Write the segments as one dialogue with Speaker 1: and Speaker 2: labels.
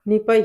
Speaker 1: ਨਹੀਂ ਭਾਈ,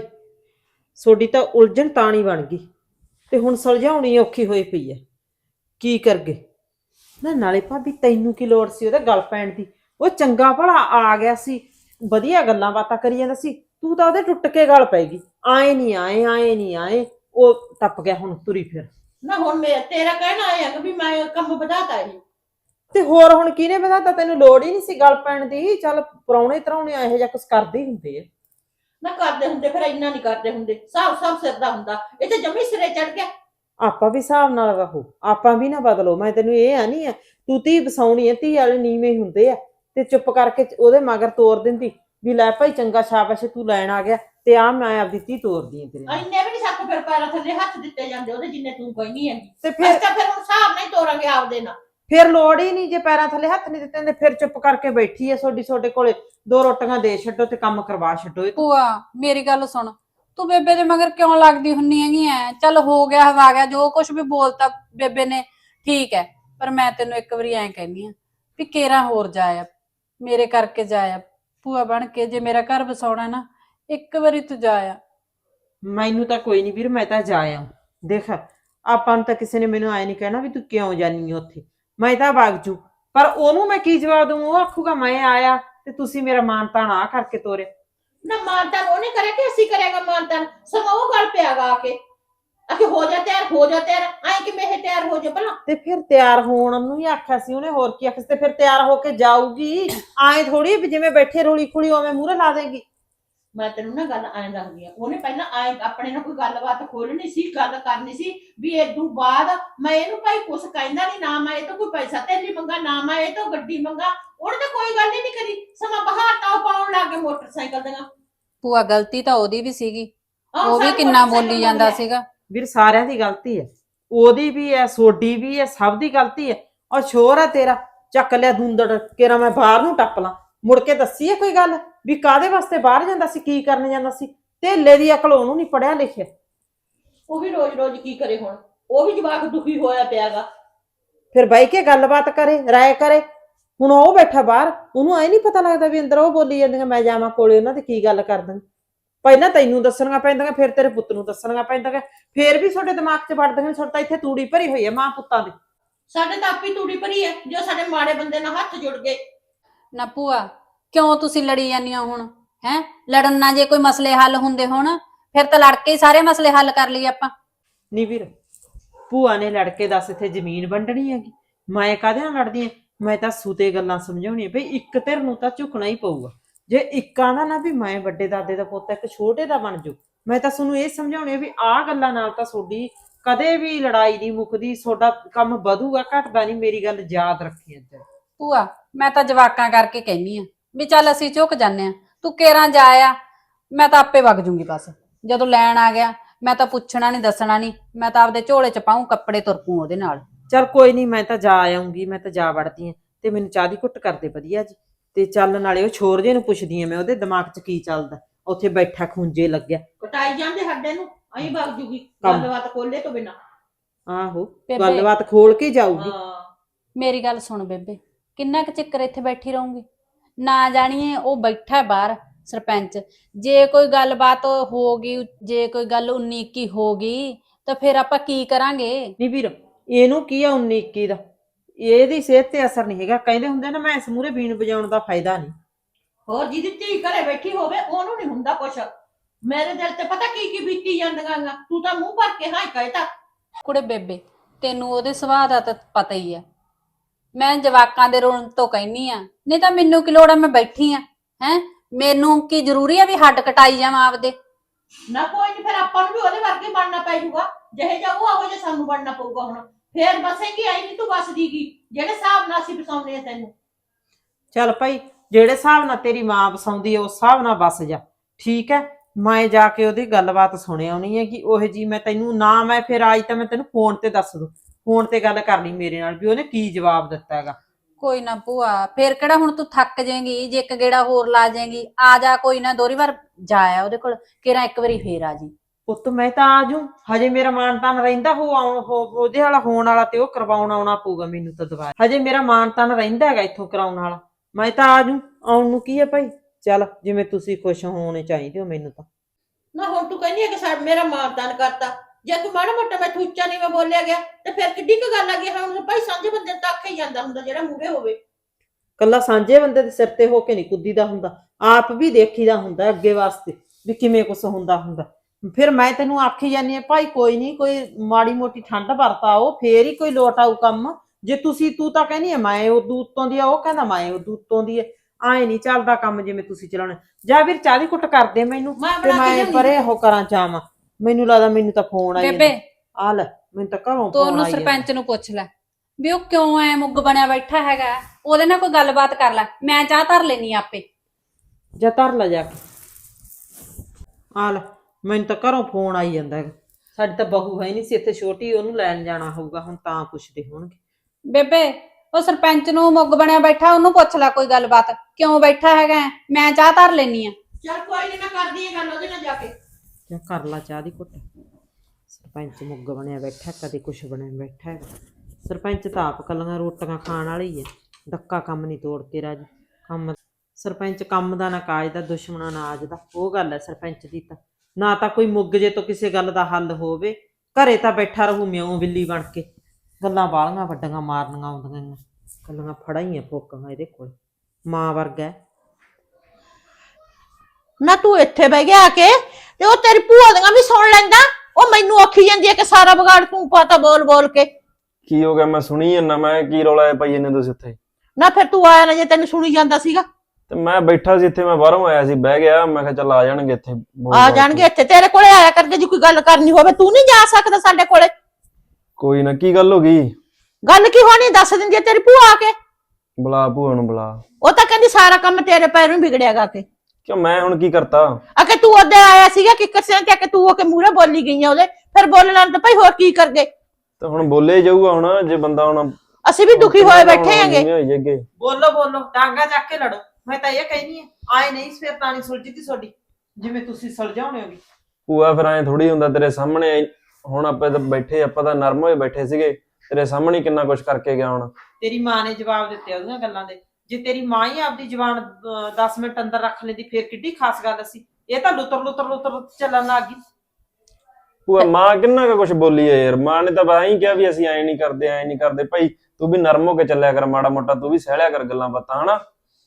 Speaker 1: ਤੁਹਾਡੀ ਤਾਂ ਉਲਝਣ ਤਾਣੀ ਬਣ ਗਈ ਤੇ ਹੁਣ ਸੁਲਝਾਉਣੀ ਔਖੀ ਹੋਈ ਪਈ ਐ। ਕੀ ਕਰਗੇ? ਨਾ ਨਾਲੇ ਭਾਬੀ ਤੈਨੂੰ ਕੀ ਲੋੜ ਸੀ ਉਹਦੇ ਗਲ ਪੈਣ ਦੀ? ਉਹ ਚੰਗਾ ਭਲਾ ਆ ਗਿਆ ਸੀ, ਵਧੀਆ ਗੱਲਾਂ ਬਾਤਾਂ ਕਰੀ ਜਾਂਦਾ ਸੀ, ਤੂੰ ਤਾਂ ਉਹਦੇ ਟੁੱਟ ਕੇ ਗਲ ਪੈ ਗਈ। ਆਏ ਨਹੀਂ ਆਏ, ਆਏ ਨਹੀਂ ਆਏ, ਉਹ ਟੱਪ ਗਿਆ ਹੁਣ ਤੁਰੀ ਫਿਰ।
Speaker 2: ਨਾ ਹੁਣ ਮੈਂ ਤੇਰਾ ਕਹਿਣਾ ਆਇਆ ਕਿ ਵੀ ਮੈਂ ਕੰਮ ਵਧਾਤਾ ਜੀ।
Speaker 1: ਤੇ ਹੋਰ ਹੁਣ ਕਿਹਨੇ ਵਧਾਤਾ? ਤੈਨੂੰ ਲੋੜ ਹੀ ਨਹੀਂ ਸੀ ਗਲ ਪੈਣ ਦੀ। ਚੱਲ ਪ੍ਰਾਹੁਣੇ ਧਰਾਉਣੇ ਇਹੋ ਜਿਹਾ ਕੁਛ ਕਰਦੇ ਹੀ ਹੁੰਦੇ ਆ।
Speaker 2: ਨਾ ਕਰਦੇ ਹੁੰਦੇ, ਫਿਰ ਇੰਨਾ ਨਹੀਂ ਕਰਦੇ ਹੁੰਦੇ। ਸਭ ਸਭ ਸਿਰ ਦਾ ਹੁੰਦਾ, ਇਹ ਤੇ ਜੰਮੀ ਸਿਰੇ ਚੜ ਗਿਆ।
Speaker 1: ਆਪਾਂ ਵੀ ਹਿਸਾਬ ਨਾਲ ਰਹੋ, ਆਪਾਂ ਵੀ ਨਾ ਬਦਲੋ। ਮੈਂ ਤੈਨੂੰ ਇਹ ਆ ਨਹੀਂ ਆ, ਤੂੰ ਧੀ ਵਸਾਉਣੀ ਹੈ, ਧੀ ਵਾਲੇ ਨੀਵੇਂ ਹੀ ਹੁੰਦੇ ਆ। ਤੇ ਚੁੱਪ ਕਰਕੇ ਉਹਦੇ ਮਗਰ ਤੋਰ ਦਿੰਦੀ ਵੀ ਲੈ ਭਾਈ ਚੰਗਾ ਸ਼ਾਬਾਸ਼ ਤੂੰ ਲੈਣ ਆ ਗਿਆ, ਤੇ ਆ ਮੈਂ ਆਪਦੀ ਧੀ ਤੋਰਦੀ ਆ ਤੇਰੇ ਨਾਲ।
Speaker 2: ਇੰਨੇ ਵੀ ਨਹੀਂ ਸੱਕ ਫਿਰ ਪੈਰਾਂ ਥੱਲੇ ਹੱਥ ਦਿੱਤੇ ਜਾਂਦੇ ਉਹਦੇ ਜਿੰਨੇ ਤੂੰ ਕਹਿਨੀ ਹੈਗੀ।
Speaker 1: ਤੇ ਫਿਰ
Speaker 2: ਤਾਂ ਫਿਰ ਹੁਣ ਹਿਸਾਬ ਨਾਲ ਹੀ ਤੋਰਾਂਗੇ ਆਪਦੇ ਨਾਲ।
Speaker 1: ਫਿਰ ਲੋੜ ਹੀ ਨਹੀਂ, ਜੇ ਪੈਰਾਂ ਥੱਲੇ ਹੱਥ ਨਹੀਂ ਦਿੱਤੇ ਹੁੰਦੇ ਫਿਰ ਚੁੱਪ ਕਰਕੇ ਬੈਠੀ ਐ ਤੁਹਾਡੇ ਕੋਲੇ। ਦੋ ਰੋਟੀਆਂ ਦੇ ਛੱਡੋ ਤੇ ਕੰਮ ਕਰਵਾ ਛੱਡੋ।
Speaker 3: ਭੂਆ ਮੇਰੀ ਗੱਲ ਸੁਣ, ਤੂੰ ਬੇਬੇ ਦੇ ਮਗਰ ਕਿਉਂ ਲੱਗਦੀ ਹੁੰਨੀ ਹੈਗੀ ਐ? ਚੱਲ ਹੋ ਗਿਆ ਹਵਾ ਗਿਆ, ਜੋ ਕੁਝ ਵੀ ਬੋਲਤਾ ਬੇਬੇ ਨੇ ਠੀਕ ਹੈ, ਪਰ ਮੈਂ ਤੈਨੂੰ ਇੱਕ ਵਾਰੀ ਐਂ ਕਹਿੰਦੀ ਆ ਵੀ ਕੇਰਾ ਹੋਰ ਜਾਇਆ, ਮੇਰੇ ਕਰਕੇ ਜਾਇਆ ਭੂਆ ਬਣ ਕੇ। ਜੇ ਮੇਰਾ ਘਰ ਵਸਾਉਣਾ ਨਾ, ਇੱਕ ਵਾਰੀ ਤੂੰ ਜਾਇਆ।
Speaker 1: ਮੈਨੂੰ ਤਾਂ ਕੋਈ ਨਹੀਂ ਵੀਰ, ਮੈਂ ਤਾਂ ਜਾ ਆ। ਦੇਖ ਆਪਾਂ ਨੂੰ ਤਾਂ ਕਿਸੇ ਨੇ ਮੈਨੂੰ ਐ ਨਹੀਂ ਕਹਿਣਾ ਵੀ ਤੂੰ ਕਿਉਂ ਜਾਨੀ ਆ ਉੱਥੇ। ਮੈਂ ਤਾਂ ਵਗ ਜੂ, ਪਰ ਉਹਨੂੰ ਮੈਂ ਕੀ ਜਵਾਬ ਦਊਂ? ਉਹ ਆਖੂਗਾ ਮੈਂ ਆਇਆ ਤੇ ਤੁਸੀਂ ਮੇਰਾ ਮਾਨ ਤਾਣ ਆ ਕਰਕੇ ਤੋਰੇ।
Speaker 2: ਨਾ ਮਾਨਤਾਨ ਉਹਨੇ ਕਰਿਆ ਕਿ ਅਸੀਂ ਕਰਿਆਗਾ ਮਾਨਤਾਨ? ਸਮਾਂ ਉਹ ਗੱਲ ਪਿਆਗਾ ਆ ਕੇ ਆਖੇ ਹੋ ਜਾ ਤਿਆਰ, ਹੋ ਜਾ ਤਿਆਰ। ਐਂ ਕਿ ਮੈਂ ਤਿਆਰ ਹੋ ਜਾ ਭਲਾ।
Speaker 1: ਤੇ ਫਿਰ ਤਿਆਰ ਹੋਣ ਨੂੰ ਹੀ ਆਖਿਆ ਸੀ ਉਹਨੇ, ਹੋਰ ਕੀ ਆਖਿਆ ਸੀ? ਤੇ ਫਿਰ ਤਿਆਰ ਹੋ ਕੇ ਜਾਊਗੀ, ਆਏ ਥੋੜੀ ਵੀ ਜਿਵੇਂ ਬੈਠੇ ਰੋਲੀ ਖੁਲੀ ਉਵੇਂ ਮੂਹਰੇ ਲਾ ਦੇਗੀ।
Speaker 2: ਮੈਂ ਤੈਨੂੰ ਨਾ ਗੱਲ ਐਂ ਦੱਸਦੀ ਆ, ਉਹਨੇ ਪਹਿਲਾਂ ਐਂ ਆਪਣੇ ਨਾਲ ਕੋਈ ਗੱਲਬਾਤ ਖੋਲਣੀ ਸੀ, ਗੱਲ ਕਰਨੀ ਸੀ ਵੀ ਇਦੋਂ ਬਾਅਦ ਮੈਂ ਇਹਨੂੰ ਭਾਈ ਕੁਛ ਕਹਿੰਦਾ ਨਹੀਂ, ਨਾ ਮੈਂ ਇਹ ਤੋਂ ਕੋਈ ਪੈਸਾ ਤੇਰੀ ਮੰਗਾ, ਨਾ ਮੈਂ ਇਹ ਤੋਂ ਗੱਡੀ ਮੰਗਾ। ਉਹਨੇ ਤਾਂ ਕੋਈ ਗੱਲ ਹੀ ਨਹੀਂ ਕਰੀ, ਸਮਾਂ ਬਹਾਤਾ ਉਹ ਪਾਉਣ ਲੱਗ ਗਏ ਮੋਟਰਸਾਈਕਲ ਦੀਆਂ।
Speaker 3: ਭੂਆ ਗਲਤੀ ਤਾਂ ਉਹਦੀ ਵੀ ਸੀਗੀ,
Speaker 2: ਆਹ
Speaker 3: ਉਹ ਵੀ
Speaker 2: ਸਾਰੇ
Speaker 3: ਕਿੰਨਾ
Speaker 2: ਮੋਟਰਸਾਈਕਲ
Speaker 3: ਬੋਲੀ ਜਾਂਦਾ
Speaker 2: ਮੰਗਦੇ ਆ।
Speaker 3: ਸੀਗਾ।
Speaker 1: ਵੀਰ ਸਾਰਿਆਂ ਦੀ ਗਲਤੀ ਹੈ, ਉਹਦੀ ਵੀ ਹੈ, ਸੋਡੀ ਵੀ ਹੈ, ਸਭ ਦੀ ਗਲਤੀ ਹੈ। ਔਰ ਸ਼ੋਰ ਹੈ ਤੇਰਾ, ਚੱਕ ਲਿਆ ਦੂੰਦੜ ਕੇਰਾ ਮੈਂ ਬਾਹਰ ਨੂੰ ਟੱਪ ਲਾਂ। ਮੁੜ ਕੇ ਦੱਸੀ ਹੈ ਕੋਈ ਗੱਲ ਵੀ ਕਾਹਦੇ ਵਾਸਤੇ ਬਾਹਰ ਜਾਂਦਾ ਸੀ, ਕੀ ਕਰਨ ਜਾਂਦਾ ਸੀ? ਧੇਲੇ ਦੀ ਅਕਲ ਉਹਨੂੰ ਨਹੀਂ ਪੜਿਆ ਲਿਖਿਆ।
Speaker 2: ਉਹ ਵੀ ਰੋਜ਼ ਰੋਜ਼ ਕੀ ਕਰੇ ਹੁਣ, ਉਹ ਵੀ ਜਵਾਕ ਦੁਖੀ ਹੋਇਆ ਪਿਆਗਾ।
Speaker 1: ਫਿਰ ਬਹਿ ਕੇ ਗੱਲਬਾਤ ਕਰੇ, ਰਾਏ ਕਰੇ। ਹੁਣ ਉਹ ਬੈਠਾ ਬਾਹਰ, ਉਹਨੂੰ ਐ ਨਹੀਂ ਪਤਾ ਲੱਗਦਾ ਵੀ ਅੰਦਰ ਉਹ ਬੋਲੀ ਜਾਂਦੀਆਂ, ਮੈਂ ਜਾਵਾਂ ਕੋਲੇ ਉਹਨਾਂ ਤੇ ਕੀ ਗੱਲ ਕਰਦਾਂ। ਪਹਿਲਾਂ ਤੈਨੂੰ ਦੱਸਣੀਆਂ ਪੈਂਦੀਆਂ, ਫਿਰ ਤੇਰੇ ਪੁੱਤ ਨੂੰ ਦੱਸਣੀਆਂ ਪੈਂਦੀਆਂ, ਫਿਰ ਵੀ ਤੁਹਾਡੇ ਦਿਮਾਗ 'ਚ ਵੜਦੀਆਂ ਤੁਹਾਡੇ ਤਾਂ ਇੱਥੇ ਤੂੜੀ ਭਰੀ ਹੋਈ ਹੈ ਮਾਂ ਪੁੱਤਾਂ ਦੀ।
Speaker 2: ਸਾਡੇ ਤਾਂ ਆਪੀ ਤੂੜੀ ਭਰੀ ਹੈ, ਜੋ ਸਾਡੇ ਮਾੜੇ ਬੰਦੇ ਨਾਲ ਹੱਥ ਜੁੜ ਗਏ।
Speaker 3: ਨਾ ਭੂਆ ਕਿਉਂ ਤੁਸੀਂ ਲੜੀ ਜਾਂਦੀਆਂ ਹੁਣ? ਹੈ ਲੜਨ ਨਾਲ ਜੇ ਕੋਈ ਮਸਲੇ ਹੱਲ ਹੁੰਦੇ ਹੋਣ, ਫਿਰ ਤਾਂ ਲੜ ਕੇ ਹੀ ਸਾਰੇ ਮਸਲੇ ਹੱਲ ਕਰ ਲਈਏ ਆਪਾਂ।
Speaker 1: ਨਹੀਂ ਵੀਰ, ਭੂਆ ਨੇ ਲੜ ਕੇ ਦੱਸ ਇੱਥੇ ਜ਼ਮੀਨ ਵੰਡਣੀ ਹੈਗੀ? ਮੈਂ ਕਾਹਦੇ ਨਾਲ ਲੜਦੀ ਆ? ਮੈਂ ਤਾਂ ਸੂਤੇ ਗੱਲਾਂ ਸਮਝਾਉਣੀਆਂ ਬਈ ਇੱਕ ਧਿਰ ਨੂੰ ਤਾਂ ਝੁਕਣਾ ਹੀ ਪਊਗਾ। ਜੇ ਇੱਕਾਂ ਦਾ ਨਾ ਵੀ ਮੈਂ ਵੱਡੇ ਦਾਦੇ ਦਾ ਪੁੱਤ ਇੱਕ ਛੋਟੇ ਦਾ ਬਣ ਜਾਊ, ਮੈਂ ਤਾਂ ਤੁਹਾਨੂੰ ਇਹ ਸਮਝਾਉਣੀ ਆ ਵੀ ਆਹ ਗੱਲਾਂ ਨਾਲ ਤਾਂ ਤੁਹਾਡੀ ਕਦੇ ਵੀ ਲੜਾਈ ਨਹੀਂ ਮੁੱਕਦੀ, ਤੁਹਾਡਾ ਕੰਮ ਵਧੂਗਾ ਘਟਦਾ ਨਹੀਂ। ਮੇਰੀ ਗੱਲ ਯਾਦ ਰੱਖੀ ਅੱਜ।
Speaker 3: ਭੂਆ ਮੈਂ ਤਾਂ ਜਵਾਕਾਂ ਕਰਕੇ ਕਹਿੰਨੀ ਆ ਵੀ ਚੱਲ ਅਸੀਂ ਝੁਕ ਜਾਂਦੇ ਆ, ਤੂੰ ਕੇਰਾਂ ਜਾ ਆ, ਮੈਂ ਤਾਂ ਆਪੇ ਵਗ ਜੂੰਗੀ। ਬਸ ਜਦੋਂ ਲੈਣ ਆ ਗਿਆ ਮੈਂ ਤਾਂ ਪੁੱਛਣਾ ਨਹੀਂ ਦੱਸਣਾ ਨਹੀਂ, ਮੈਂ ਤਾਂ ਆਪਦੇ ਝੋਲੇ 'ਚ ਪਾਉਂ ਕੱਪੜੇ, ਤੁਰ ਪੂੰ ਉਹਦੇ ਨਾਲ।
Speaker 1: ਚੱਲ ਕੋਈ ਨਹੀਂ, ਮੈਂ ਤਾਂ ਜਾ ਆਉਂਗੀ, ਮੈਂ ਤਾਂ ਜਾ ਵੜਦੀ ਆ। ਤੇ ਮੈਨੂੰ ਚਾਹ ਦੀ ਘੁੱਟ ਕਰਦੇ ਵਧੀਆ ਜੀ। ਤੇ ਚੱਲ ਨਾਲੇ ਉਹ ਛੋਰ ਜੇ ਨੂੰ ਪੁੱਛਦੀ ਆ ਮੈਂ, ਉਹਦੇ ਦਿਮਾਗ 'ਚ ਕੀ ਚੱਲਦਾ, ਉੱਥੇ ਬੈਠਾ ਖੂੰਜੇ ਲੱਗਿਆ।
Speaker 2: ਕਟਾਈ ਜਾਂਦੇ ਸਾਡੇ ਨੂੰ, ਅਹੀਂ ਵਗ ਜੂਗੀ ਗੱਲਬਾਤ ਖੋਲੇ ਤੋਂ ਬਿਨਾ।
Speaker 1: ਆਹੋ
Speaker 3: ਬੇਬੇ
Speaker 1: ਗੱਲਬਾਤ ਖੋਲ ਕੇ ਜਾਊਗੀ।
Speaker 3: ਮੇਰੀ ਗੱਲ ਸੁਣ ਬੇਬੇ, ਕਿੰਨਾ ਕੁ ਚੱਕਰ ਇੱਥੇ ਬੈਠੀ ਰਹੂੰਗੀ? ਨਾ ਜਾਣੀਏ ਉਹ ਬੈਠਾ ਬਾਹਰ ਸਰਪੰਚ, ਜੇ ਕੋਈ ਗੱਲਬਾਤ ਹੋ ਗਈ, ਜੇ ਕੋਈ ਗੱਲ 19-21 ਹੋ ਗਈ ਤਾਂ ਫਿਰ ਆਪਾਂ ਕੀ ਕਰਾਂਗੇ?
Speaker 1: ਨਹੀਂ ਵੀਰ, ਇਹਨੂੰ ਕੀ ਆ 19-21 ਦਾ? ਇਹਦੀ ਸਿਹਤ ਤੇ ਅਸਰ ਨਹੀਂ ਹੈਗਾ। ਕਹਿੰਦੇ ਹੁੰਦੇ ਨਾ ਮੈਂ ਇਸ ਮੂਹਰੇ ਬੀਣ ਵਜਾਉਣ ਦਾ ਫਾਇਦਾ ਨਹੀਂ।
Speaker 2: ਹੋਰ ਜਿਹਦੀ ਧੀ ਘਰੇ ਬੈਠੀ ਹੋਵੇ ਉਹਨੂੰ ਨਹੀਂ ਹੁੰਦਾ ਕੁਛ। ਮੇਰੇ ਦਿਲ ਤੇ ਪਤਾ ਕੀ ਕੀ ਬੀਤੀ ਜਾਂਦੀਆਂ ਗਾ, ਤੂੰ ਤਾਂ ਮੂੰਹ ਭਰ ਕੇ ਹਾਂ ਕਹਿਤਾ।
Speaker 3: ਕੁੜੇ ਬੇਬੇ ਤੈਨੂੰ ਉਹਦੇ ਸੁਭਾਅ ਦਾ ਤਾਂ ਪਤਾ ਹੀ ਆ, ਮੈਂ ਜਵਾਕਾਂ ਦੇ ਰੋਣ ਤੋਂ ਕਹਿਨੀ ਆ, ਨਹੀਂ ਤਾਂ ਮੈਨੂੰ ਕੀ ਲੋੜ ਆ, ਮੈਂ ਬੈਠੀ ਆ। ਹੈ ਮੈਨੂੰ ਕੀ ਜ਼ਰੂਰੀ ਆ ਵੀ ਹੱਡ ਕਟਾਈ ਜਾਵਾਂ ਆਪਦੇ?
Speaker 2: ਨਾ ਕੋਈ ਨਹੀਂ, ਫਿਰ ਆਪਾਂ ਨੂੰ ਵੀ ਉਹਦੇ ਵਰਗੇ ਬਣਨਾ ਪੈ ਜਾਊਗਾ। ਜਿਹੇ ਜਾ ਉਹ ਆਹੋ ਜੇ ਸਾਨੂੰ ਬਣਨਾ ਪਊਗਾ। ਹੁਣ ਫੇਰ ਬਸੇਗੀ, ਆਈ ਨਹੀਂ ਤੂੰ ਬਸਦੀਗੀ ਜਿਹੜੇ ਹਿਸਾਬ ਨਾਲ ਅਸੀਂ ਬਸਾਉਂਦੇ ਆ ਤੈਨੂੰ।
Speaker 1: ਚੱਲ ਭਾਈ, ਜਿਹੜੇ ਹਿਸਾਬ ਨਾਲ ਤੇਰੀ ਮਾਂ ਵਸਾਉਂਦੀ ਹੈ ਉਸ ਹਿਸਾਬ ਨਾਲ ਬਸ ਜਾ, ਠੀਕ ਹੈ? ਮੈਂ ਜਾ ਕੇ ਉਹਦੀ ਗੱਲਬਾਤ ਸੁਣ ਆਉਣੀ ਹੈ ਕਿ ਉਹ ਜੀ ਮੈਂ ਤੈਨੂੰ ਨਾ, ਮੈਂ ਫਿਰ ਆਈ ਤਾਂ ਮੈਂ ਤੈਨੂੰ ਫੋਨ ਤੇ ਦੱਸ ਦੂੰ, ਫੋਨ ਤੇ ਗੱਲ ਕਰ ਲਈ ਮੇਰੇ ਨਾਲ ਵੀ ਉਹਨੇ ਕੀ ਜਵਾਬ ਦਿੱਤਾ ਹੈਗਾ।
Speaker 3: ਕੋਈ ਨਾ ਭੂਆ, ਫੇਰ ਕਿਹੜਾ ਹੁਣ ਤੂੰ ਥੱਕ ਜਾਏਂਗੀ? ਜੇ ਇੱਕ ਗੇੜਾ ਹੋਰ ਲਾ ਜਾਏਂਗੀ, ਆ ਜਾ, ਕੋਈ ਨਾ ਦੋਹਰੀ ਵਾਰ ਜਾ ਆ ਉਹਦੇ ਕੋਲ, ਕਿਹੜਾ ਇੱਕ ਵਾਰੀ ਫੇਰ ਆ ਜੀ।
Speaker 1: ਪੁੱਤ ਮੈਂ ਤਾਂ ਆ ਜੂ, ਹਜੇ ਮੇਰਾ ਮਾਨ ਤਾਨ ਰਹਿੰਦਾ ਉਹਦੇ ਵਾਲਾ ਹੋਣ ਵਾਲਾ, ਤੇ ਉਹ ਕਰਵਾਉਣ ਆਉਣਾ ਪਊਗਾ ਮੈਨੂੰ ਤਾਂ ਦੁਬਾਰਾ। ਹਜੇ ਮੇਰਾ ਮਾਨ ਤਾਨ ਰਹਿੰਦਾ ਹੈਗਾ ਇੱਥੋਂ ਕਰਾਉਣ ਵਾਲਾ। ਮੈਂ ਤਾਂ ਆ ਜੂ, ਆਉਣ ਨੂੰ ਕੀ ਹੈ ਭਾਈ। ਚੱਲ ਜਿਵੇਂ ਤੁਸੀਂ ਖੁਸ਼ ਹੋਣੇ ਚਾਹੀਦੇ ਹੋ, ਮੈਨੂੰ ਤਾਂ
Speaker 2: ਨਾ ਹੁਣ ਤੂੰ ਕਹਿੰਦੀ ਹੈ ਕਿ ਮੇਰਾ ਮਾਨਦਾਨ ਕਰਤਾ। ਜੇ ਤੂੰ ਮਾੜਾ ਮੋਟਾ ਮੈਂ ਉੱਚਾ ਨਹੀਂ ਮੈਂ ਬੋਲਿਆ ਗਿਆ ਤੇ ਫਿਰ ਕਿੱਡੀ ਕੁ ਗੱਲ ਆ ਗਈ। ਹੁਣ ਭਾਈ ਸਾਂਝੇ ਬੰਦੇ ਨੂੰ ਤਾਂ ਆਖਿਆ ਹੀ ਜਾਂਦਾ ਹੁੰਦਾ ਜਿਹੜਾ ਮੂਹਰੇ ਹੋਵੇ।
Speaker 1: ਕੱਲਾ ਸਾਂਝੇ ਬੰਦੇ ਦੇ ਸਿਰ ਤੇ ਹੋ ਕੇ ਨਹੀਂ ਕੁੱਦੀਦਾ ਹੁੰਦਾ, ਆਪ ਵੀ ਦੇਖੀਦਾ ਹੁੰਦਾ ਅੱਗੇ ਵਾਸਤੇ ਵੀ ਕਿਵੇਂ ਕੁਛ ਹੁੰਦਾ। ਫਿਰ ਮੈਂ ਤੈਨੂੰ ਆਖੀ ਜਾਂਦੀ ਆ ਭਾਈ ਕੋਈ ਨਹੀਂ, ਕੋਈ ਮਾੜੀ ਮੋਟੀ ਠੰਡ ਵਰਤਾਓ ਫੇਰ ਹੀ ਕੋਈ ਲੋਟ ਆਊ ਕੰਮ। ਜੇ ਤੂੰ ਤਾਂ ਕਹਿੰਦੀ ਆ ਮੈਂ ਉਹ ਦੂਤੋਂ ਦੀ ਆ, ਉਹ ਕਹਿੰਦਾ ਮੈਂ ਉਹ ਦੂਤੋਂ ਦੀ ਆ, ਆਏ ਨਹੀਂ ਚੱਲਦਾ ਕੰਮ ਜਿਵੇਂ ਤੁਸੀਂ ਚਲਾਉਣਾ। ਜਾਂ ਫਿਰ ਚਾਹ ਦੀ ਕੁੱਟ ਕਰਦੇ ਮੈਨੂੰ
Speaker 2: ਮੈਂ
Speaker 1: ਤੇ
Speaker 2: ਬਣਾ ਕੇ
Speaker 1: ਮੈਂ
Speaker 2: ਲਿਆਉਂਦੀ।
Speaker 1: ਪਰੇ ਉਹ ਕਰਾਂ ਚਾਵਾਂ। ਮੈਨੂੰ ਲੱਗਦਾ ਮੈਨੂੰ ਤਾਂ ਫੋਨ ਆਈ
Speaker 3: ਬੇਬੇ
Speaker 1: ਆ ਲੈ, ਮੈਨੂੰ ਤਾਂ ਘਰੋਂ
Speaker 3: ਤੂੰ
Speaker 1: ਫੋਨ
Speaker 3: ਉਹਨੂੰ
Speaker 1: ਆਈ
Speaker 3: ਸਰਪੰਚ ਨੂੰ ਪੁੱਛ ਲੈ ਵੀ ਉਹ ਕਿਉਂ ਐ ਮੁੱਗ ਬਣਿਆ ਬੈਠਾ ਹੈਗਾ। ਉਹਦੇ ਨਾਲ ਕੋਈ ਗੱਲਬਾਤ ਕਰ ਲੈ, ਮੈਂ ਚਾਹ ਧਰ ਲੈਣੀ ਆਪੇ।
Speaker 1: ਜਾਂ ਧਰ ਲੈ ਜਾ ਕੇ ਆ ਲੈ, ਮੈਨੂੰ ਤਾਂ ਘਰੋਂ ਫੋਨ ਆਈ ਜਾਂਦਾ ਹੈਗਾ। ਸਾਡੀ ਤਾਂ ਬਹੂ ਹੈ ਨਹੀਂ ਸੀ ਇੱਥੇ ਛੋਟੀ, ਉਹਨੂੰ ਲੈਣ ਜਾਣਾ ਹੋਊਗਾ ਹੁਣ ਤਾਂ ਪੁੱਛਦੇ ਹੋਣਗੇ।
Speaker 3: ਬੇਬੇ ਉਹ ਸਰਪੰਚ ਨੂੰ ਮੁੱਗ ਬਣਿਆ ਬੈਠਾ, ਉਹਨੂੰ ਪੁੱਛ ਲੈ ਕੋਈ ਗੱਲਬਾਤ ਕਿਉਂ ਬੈਠਾ ਹੈਗਾ। ਮੈਂ ਚਾਹ ਧਰ ਲੈਣੀ ਆ।
Speaker 2: ਚੱਲ ਕੋਈ ਨਹੀਂ ਮੈਂ ਕਰਦੀ ਇਹ ਗੱਲ ਉਹਦੇ ਨਾਲ ਜਾ ਕੇ।
Speaker 1: ਜਾਂ ਕਰ ਲਾ ਚਾਹ ਦੀ ਘੁੱਟ। ਸਰਪੰਚ ਮੁੱਗ ਬਣਿਆ ਬੈਠਾ, ਕਦੇ ਕੁਛ ਬਣਿਆ ਬੈਠਾ ਹੈਗਾ। ਸਰਪੰਚ ਤਾਂ ਆਪ ਕੱਲੀਆਂ ਰੋਟੀਆਂ ਖਾਣ ਵਾਲੀ ਹੈ, ਡੱਕਾ ਕੰਮ ਨਹੀਂ ਤੋੜ ਕੇ ਰਾਜ। ਕੰਮ ਸਰਪੰਚ ਕੰਮ ਦਾ ਨਾ ਕਾਜ ਦਾ, ਦੁਸ਼ਮਣਾ ਨਾਜ ਦਾ, ਉਹ ਗੱਲ ਹੈ ਸਰਪੰਚ ਦੀ। ਤਾਂ ਨਾ ਤਾਂ ਕੋਈ ਮੁੱਗ ਜੇ ਤੋਂ ਕਿਸੇ ਗੱਲ ਦਾ ਹੱਲ ਹੋਵੇ, ਘਰੇ ਤਾਂ ਬੈਠਾ ਰਹੂ ਮਿਉਂ ਬਿੱਲੀ ਬਣ ਕੇ। ਗੱਲਾਂ ਬਾਲੀਆਂ ਵੱਡੀਆਂ ਮਾਰਨੀਆਂ ਆਉਂਦੀਆਂ, ਕੱਲੀਆਂ ਫੜਾ ਹੀ ਆ ਫੋਕਾਂ ਇਹਦੇ ਕੋਲ, ਮਾਂ ਵਰਗਾ।
Speaker 2: ਨਾ ਤੂੰ ਇੱਥੇ ਬਹਿ ਗਿਆ ਆ ਕੇ ਤੇ ਉਹ ਤੇਰੀ ਭੂਆ ਦੀਆਂ ਵੀ ਸੁਣ ਲੈਂਦਾ। ਉਹ ਮੈਨੂੰ ਆਖੀ ਜਾਂਦੀ ਹੈ ਕਿ ਸਾਰਾ ਵਿਗਾੜ ਤੂੰ ਪਾਤਾ ਬੋਲ ਕੇ।
Speaker 4: ਕੀ ਹੋ ਗਿਆ? ਮੈਂ ਸੁਣੀ ਜਾਂਦਾ, ਮੈਂ ਕੀ ਰੌਲਾ ਪਾਈ ਇਹਨੇ ਤੁਸੀਂ ਉੱਥੇ?
Speaker 2: ਨਾ ਫਿਰ ਤੂੰ ਆਇਆ ਨਾ ਜੇ ਤੈਨੂੰ ਸੁਣੀ ਜਾਂਦਾ ਸੀਗਾ।
Speaker 4: ਤੇ ਮੈਂ ਬੈਠਾ ਸੀ ਇੱਥੇ, ਮੈਂ ਬਾਹਰੋਂ ਆਇਆ ਸੀ, ਬਹਿ ਗਿਆ, ਮੈਂ ਕਿਹਾ ਚੱਲ ਆ ਜਾਣਗੇ ਇੱਥੇ
Speaker 2: ਆ ਜਾਣਗੇ ਇੱਥੇ ਤੇਰੇ ਕੋਲੇ ਆਇਆ ਕਰਕੇ। ਜੇ ਕੋਈ ਗੱਲ ਕਰਨੀ ਹੋਵੇ ਤੂੰ ਨਹੀਂ ਜਾ ਸਕਦਾ ਸਾਡੇ ਕੋਲੇ?
Speaker 4: ਕੋਈ ਨਾ, ਕੀ ਗੱਲ ਹੋ ਗਈ?
Speaker 2: ਗੱਲ ਕੀ ਹੋਣੀ ਦੱਸ ਦਿੰਦੀ ਹੈ ਤੇਰੀ ਭੂਆ ਆ ਕੇ।
Speaker 4: ਬੁਲਾ ਭੂਆ ਨੂੰ ਬੁਲਾ।
Speaker 2: ਉਹ ਤਾਂ ਕਹਿੰਦੀ ਸਾਰਾ ਕੰਮ ਤੇਰੇ ਪੈਰੋਂ ਵਿਗੜਿਆਗਾ ਕੇ।
Speaker 4: ਕਿਉਂ ਮੈਂ ਹੁਣ ਕੀ ਕਰਤਾ?
Speaker 2: ਅਕੇ ਤੂੰ ਉਹਦੇ ਆਇਆ ਸੀਗਾ ਕਿ ਕਿਸੇ ਤੇ ਕਿ ਤੂੰ ਉਹ ਕੇ ਮੂਹਰੇ ਬੋਲੀ ਗਈ ਆ ਉਹਦੇ, ਫਿਰ ਬੋਲਣਾ ਤਾਂ ਭਾਈ ਹੋਰ ਕੀ ਕਰਗੇ।
Speaker 4: ਤੇ ਹੁਣ ਬੋਲੇ ਜਾਊਗਾ ਹੁਣ, ਜੇ ਬੰਦਾ ਹੁਣ
Speaker 2: ਅਸੀਂ ਵੀ ਦੁਖੀ ਹੋਏ ਬੈਠੇ ਆਂਗੇ।
Speaker 1: ਬੋਲੋ ਡਾਂਗਾ ਚੱਕ ਕੇ ਲੜੋ। ਮੈਂ ਤਾਂ ਇਹ ਕਹਿਨੀ ਆ ਆਏ ਨਹੀਂ ਫਿਰ ਤਾਂ ਨਹੀਂ ਸੁਲਝਦੀ ਤੁਹਾਡੀ ਜਿਵੇਂ ਤੁਸੀਂ ਸੁਲਝਾਉਣੇ ਹੋਗੇ।
Speaker 4: ਭੂਆ ਫਿਰ ਐ ਥੋੜੀ ਹੁੰਦਾ ਤੇਰੇ ਸਾਹਮਣੇ। ਹੁਣ ਆਪਾਂ ਤਾਂ ਬੈਠੇ, ਆਪਾਂ ਤਾਂ ਨਰਮ ਹੋਏ ਬੈਠੇ ਸੀਗੇ, ਤੇਰੇ ਸਾਹਮਣੇ ਕਿੰਨਾ ਕੁਛ ਕਰਕੇ ਗਿਆ ਹੁਣ।
Speaker 1: ਤੇਰੀ ਮਾਂ ਨੇ ਜਵਾਬ ਦਿੱਤੇ ਉਹਦੀਆਂ ਗੱਲਾਂ ਦੇ। ਜੇ ਤੇਰੀ ਮਾਂ ਹੀ ਆਪਦੀ ਜ਼ੁਬਾਨ 10 ਮਿੰਟ ਅੰਦਰ ਰੱਖ ਲੈਂਦੀ ਫਿਰ ਕਿੱਡੀ ਖਾਸ ਗੱਲ ਸੀ। ਇਹ ਤਾਂ ਲੁੱਤਰ ਚੱਲਣ ਲੱਗ ਗਈ।
Speaker 4: ਭੂਆ ਮਾਂ ਕਿੰਨਾ ਕੁ ਕੁਛ ਬੋਲੀ ਹੈ ਯਾਰ। ਮਾਂ ਨੇ ਤਾਂ ਬਸ ਐਂ ਕਿਹਾ ਵੀ ਅਸੀਂ ਐਂ ਨਹੀਂ ਕਰਦੇ ਭਾਈ, ਤੂੰ ਵੀ ਨਰਮ ਹੋ ਕੇ ਚੱਲਿਆ ਕਰ, ਮਾੜਾ ਮੋਟਾ ਤੂੰ ਵੀ ਸਹਿਲਿਆ ਕਰ ਗੱਲਾਂ ਬਾਤਾਂ, ਹਨਾ।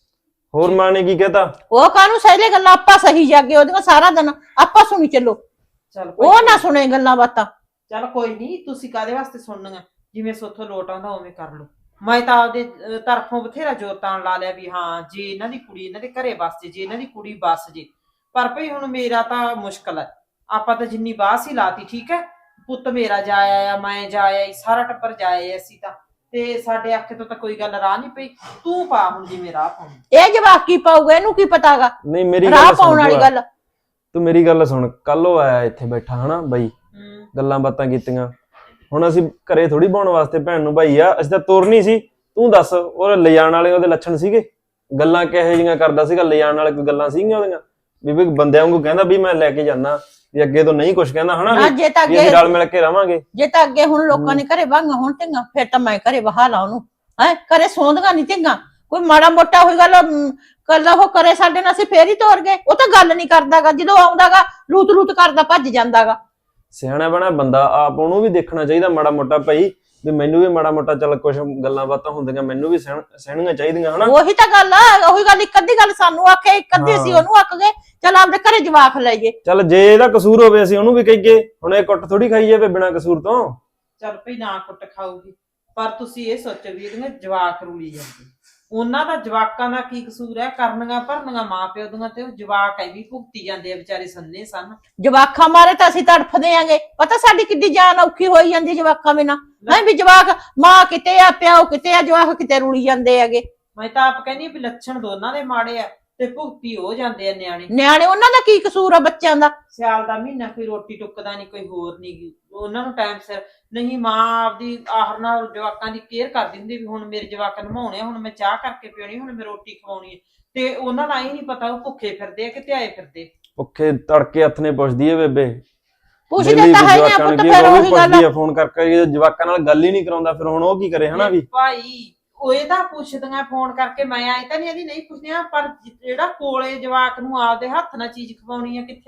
Speaker 4: ਹੋਰ ਮਾਂ ਨੇ ਕੀ ਕਹਿਤਾ?
Speaker 2: ਉਹ ਕਾਹਨੂੰ ਸਹਲੇ ਗੱਲਾਂ, ਆਪਾਂ ਸਹੀ ਜਾਗੇ ਉਹਦੀਆਂ ਸਾਰਾ ਦਿਨ ਆਪਾਂ ਸੁਣੀ ਚੱਲੋ।
Speaker 1: ਚੱਲ
Speaker 2: ਉਹ ਨਾ ਸੁਣੇ ਗੱਲਾਂ ਬਾਤਾਂ।
Speaker 1: ਚੱਲ ਕੋਈ ਨਹੀਂ, ਤੁਸੀਂ ਕਾਹਦੇ ਵਾਸਤੇ ਸੁਣਨੀਆਂ? ਜਿਵੇਂ ਸੋਥੋਂ ਲੋਟ ਆਉਂਦਾ ਉਵੇਂ ਕਰ ਲਓ। ਮੈਂ ਤਾਂ ਆਪਦੇ ਤਰਫੋਂ ਬਥੇਰਾ ਜ਼ੋਰ ਤਾਣ ਲਾ ਲਿਆ ਵੀ ਹਾਂ ਜੇ ਇਹਨਾਂ ਦੀ ਕੁੜੀ ਇਹਨਾਂ ਦੇ ਘਰੇ ਵਸ ਜੇ ਇਹਨਾਂ ਦੀ ਕੁੜੀ ਬਸ ਜੇ। ਪਰ ਭਈ ਹੁਣ ਮੇਰਾ ਤਾਂ ਮੁਸ਼ਕਲ ਹੈ। ਆਪਾਂ ਤਾਂ ਜਿੰਨੀ ਬਾਸ ਹੀ ਲਾਤੀ, ਠੀਕ ਹੈ। ਪੁੱਤ ਮੇਰਾ ਜਾ ਆਇਆ, ਮੈਂ ਜਾ ਆਈ, ਸਾਰਾ ਟੱਬਰ ਜਾ ਆਏ ਅਸੀਂ ਤਾਂ, ਤੇ ਸਾਡੇ ਆਖੇ ਤੋਂ ਤਾਂ ਕੋਈ ਗੱਲ ਰਾਹ ਨਹੀਂ ਪਈ। ਤੂੰ ਪਾ ਹੁਣ ਜਿਵੇਂ ਰਾਹ ਪਾਉਣੀ।
Speaker 2: ਇਹ ਜਵਾਕ ਕੀ ਪਾਊਗਾ, ਇਹਨੂੰ ਕੀ ਪਤਾਗਾ
Speaker 4: ਨਹੀਂ ਮੇਰੀ
Speaker 2: ਰਾਹ
Speaker 4: ਗੱਲ
Speaker 2: ਪਾਉਣ ਵਾਲੀ
Speaker 4: ਸੁਣ,
Speaker 2: ਗੱਲ।
Speaker 4: ਤੂੰ ਮੇਰੀ ਗੱਲ ਸੁਣ। ਕੱਲ ਉਹ ਆਇਆ ਇੱਥੇ ਬੈਠਾ, ਹਨਾ ਬਾਈ, ਗੱਲਾਂ ਬਾਤਾਂ ਕੀਤੀਆਂ। ਹੁਣ ਅਸੀਂ ਘਰੇ ਥੋੜੀ ਪਾਉਣ ਵਾਸਤੇ ਭੈਣ ਨੂੰ ਭਾਈ ਆ, ਅਸੀਂ ਤਾਂ ਤੋਰਨੀ ਸੀ। ਤੂੰ ਦੱਸ, ਉਹ ਲਿਜਾਣ ਵਾਲੇ ਉਹਦੇ ਲੱਛਣ ਸੀਗੇ? ਗੱਲਾਂ ਕਿਹੋ ਜਿਹੀਆਂ ਕਰਦਾ ਸੀਗਾ? ਲਿਜਾਣ ਵਾਲੇ ਕੋਈ ਗੱਲਾਂ ਸੀਗੀਆਂ ਉਹਦੀਆਂ ਵੀ ਬੰਦਿਆਂ ਵਾਂਗੂ ਕਹਿੰਦਾ ਵੀ ਮੈਂ ਲੈ ਕੇ ਜਾਣਾ, ਵੀ ਅੱਗੇ ਤੋਂ ਨਹੀਂ ਕੁਛ ਕਹਿੰਦਾ, ਹਨਾ,
Speaker 2: ਜੇ ਤਾਂ
Speaker 4: ਵੀ ਅਸੀਂ ਰਲ ਮਿਲ ਕੇ ਰਵਾਂਗੇ।
Speaker 2: ਜੇ ਤਾਂ ਅੱਗੇ ਹੁਣ ਲੋਕਾਂ ਨੇ ਘਰੇ ਵਾਂਗਾ ਹੁਣ ਢਿੰਗਾ, ਫਿਰ ਤਾਂ ਮੈਂ ਘਰੇ ਵਹਾ ਲਾ ਉਹਨੂੰ। ਹੈ ਘਰੇ ਸੌਂਦਗਾ ਨਹੀਂ ਢਿੰਗਾ। ਕੋਈ ਮਾੜਾ ਮੋਟਾ ਹੋਈ ਗੱਲ ਕੱਲਾ ਉਹ ਕਰੇ ਸਾਡੇ ਨਾਲ, ਅਸੀਂ ਫੇਰ ਹੀ ਤੋਰ ਗਏ। ਉਹ ਤਾਂ ਗੱਲ ਨਹੀਂ ਕਰਦਾਗਾ, ਜਦੋਂ ਆਉਂਦਾਗਾ ਲੂਤ ਕਰਦਾ ਭੱਜ ਜਾਂਦਾਗਾ।
Speaker 4: ਸਿਆਣਾ ਬਣਾ ਬੰਦਾ ਆਪ, ਉਹਨੂੰ ਵੀ ਦੇਖਣਾ ਚਾਹੀਦਾ ਮਾੜਾ ਮੋਟਾ ਭਾਈ, ਵੀ ਮੈਨੂੰ ਵੀ ਮਾੜਾ ਮੋਟਾ ਚੱਲ ਕੁਛ ਗੱਲਾਂ ਬਾਤਾਂ ਹੁੰਦੀਆਂ, ਮੈਨੂੰ ਵੀ ਸਹਿਣੀਆਂ ਚਾਹੀਦੀਆਂ, ਹਨਾ।
Speaker 2: ਉਹੀ ਤਾਂ ਗੱਲ ਆ, ਉਹੀ ਗੱਲ। ਇੱਕ ਅੱਧੀ ਗੱਲ ਸਾਨੂੰ ਆਖੇ, ਇੱਕ ਅੱਧੀ ਅਸੀਂ ਉਹਨੂੰ ਆਖ ਗਏ। ਚੱਲ ਆਪਦੇ ਘਰੇ ਜਵਾਕ ਲੈ ਜੇ।
Speaker 4: ਚੱਲ ਜੇ ਇਹਦਾ ਕਸੂਰ ਹੋਵੇ ਅਸੀਂ ਉਹਨੂੰ ਵੀ ਕਹੀਏ। ਹੁਣ ਇਹ ਕੁੱਟ ਥੋੜੀ ਖਾਈ ਜਾਵੇ ਬਿਨਾਂ ਕਸੂਰ ਤੋਂ।
Speaker 1: ਚੱਲ ਭਈ ਨਾ ਕੁੱਟ ਖਾਊਗੀ, ਪਰ ਤੁਸੀਂ ਇਹ ਸੋਚੋ ਵੀ ਇਹਦੀਆਂ ਜਵਾਕ ਰੂਲੀ ਜਾਂਦੇ। ਉਹਨਾਂ ਦਾ ਜਵਾਕਾਂ ਦਾ ਕੀ ਕਸੂਰ ਹੈ? ਕਰਨੀਆਂ ਭਰਨੀਆਂ ਮਾਂ ਪਿਓ ਦੀਆਂ, ਤੇ ਉਹ ਜਵਾਕ ਐ ਵੀ ਭੁਗਤੀ ਜਾਂਦੇ ਆ ਵਿਚਾਰੇ ਸੰਨੇ ਸਨ।
Speaker 2: ਜਵਾਕਾਂ ਮਾਰੇ ਤਾਂ ਅਸੀਂ ਤੜਫਦੇ ਆਂਗੇ। ਪਤਾ ਸਾਡੀ ਕਿੱਡੀ ਜਾਨ ਔਖੀ ਹੋਈ ਜਾਂਦੀ ਜਵਾਕਾਂ ਬਿਨਾਂ। ਨਹੀਂ ਵੀ ਜਵਾਕ ਮਾਂ ਕਿਤੇ ਆ, ਪਿਓ ਕਿਤੇ ਆ, ਜਵਾਕ ਕਿਤੇ ਰੁਲੀ ਜਾਂਦੇ ਹੈਗੇ।
Speaker 1: ਮੈਂ ਤਾਂ ਆਪ ਕਹਿੰਦੀ ਵੀ ਲੱਛਣ ਦੋਨਾਂ ਦੇ ਮਾੜੇ ਆ ਤੇ ਭੁਗਤੀ ਹੋ ਜਾਂਦੇ ਆ ਨਿਆਣੇ।
Speaker 2: ਨਿਆਣੇ ਉਹਨਾਂ ਦਾ ਕੀ ਕਸੂਰ ਆ ਬੱਚਿਆਂ ਦਾ?
Speaker 1: ਸਿਆਲ ਦਾ ਮਹੀਨਾ ਕੋਈ ਰੋਟੀ ਟੁੱਕਦਾ ਨਹੀਂ, ਕੋਈ ਹੋਰ ਨਹੀਂ, ਉਹਨਾਂ ਨੂੰ ਟਾਈਮ ਸਿਰ ਨਹੀਂ। ਮਾਂ ਆਪਦੀ ਆਹਰ ਨਾਲ ਜਵਾਕਾਂ ਦੀ ਕੇਅਰ ਕਰਦੀ ਹੁੰਦੀ ਵੀ ਹੁਣ ਮੇਰੇ ਜਵਾਕ ਨਮਾਉਣੇ, ਹੁਣ ਮੈਂ ਚਾਹ ਕਰਕੇ ਪਿਉਣੀ, ਹੁਣ ਮੈਂ ਰੋਟੀ ਖਵਾਉਣੀ ਹੈ। ਤੇ ਉਹਨਾਂ ਦਾ ਇਹ ਨਹੀਂ ਪਤਾ ਉਹ ਭੁੱਖੇ ਫਿਰਦੇ ਆ ਕਿ ਧਿਆਏ ਫਿਰਦੇ।
Speaker 4: ਭੁੱਖੇ ਤੜਕੇ ਹੱਥ ਨੇ ਪੁੱਛਦੀ ਏ ਬੇਬੇ,
Speaker 2: ਪੁੱਛਦੇ ਤਾਂ ਹੈ ਨਹੀਂ ਪੁੱਤ, ਫਿਰ ਉਹੀ ਗੱਲ ਆ।
Speaker 4: ਫੋਨ ਕਰਕੇ ਜਵਾਕਾਂ ਨਾਲ ਗੱਲ ਹੀ ਨਹੀਂ ਕਰਾਉਂਦਾ, ਫਿਰ ਹੁਣ ਉਹ ਕੀ ਕਰੇ, ਹਨਾ। ਵੀ
Speaker 1: ਭਾਈ ਉਹ ਇਹਦਾ ਪੁੱਛਦੀਆਂ ਫੋਨ ਕਰਕੇ, ਮੈਂ ਆਏ ਤਾਂ ਨਹੀਂ ਇਹਦੀ ਨਹੀਂ ਪੁੱਛਦੀਆਂ, ਪਰ ਜਿਹੜਾ ਕੋਲੇ ਜਵਾਕ ਨੂੰ ਆਪਦੇ ਹੱਥ ਨਾਲ ਚੀਜ਼ ਖਵਾਉਣੀ ਆ, ਕਿੱਥੇ ਤਾਂ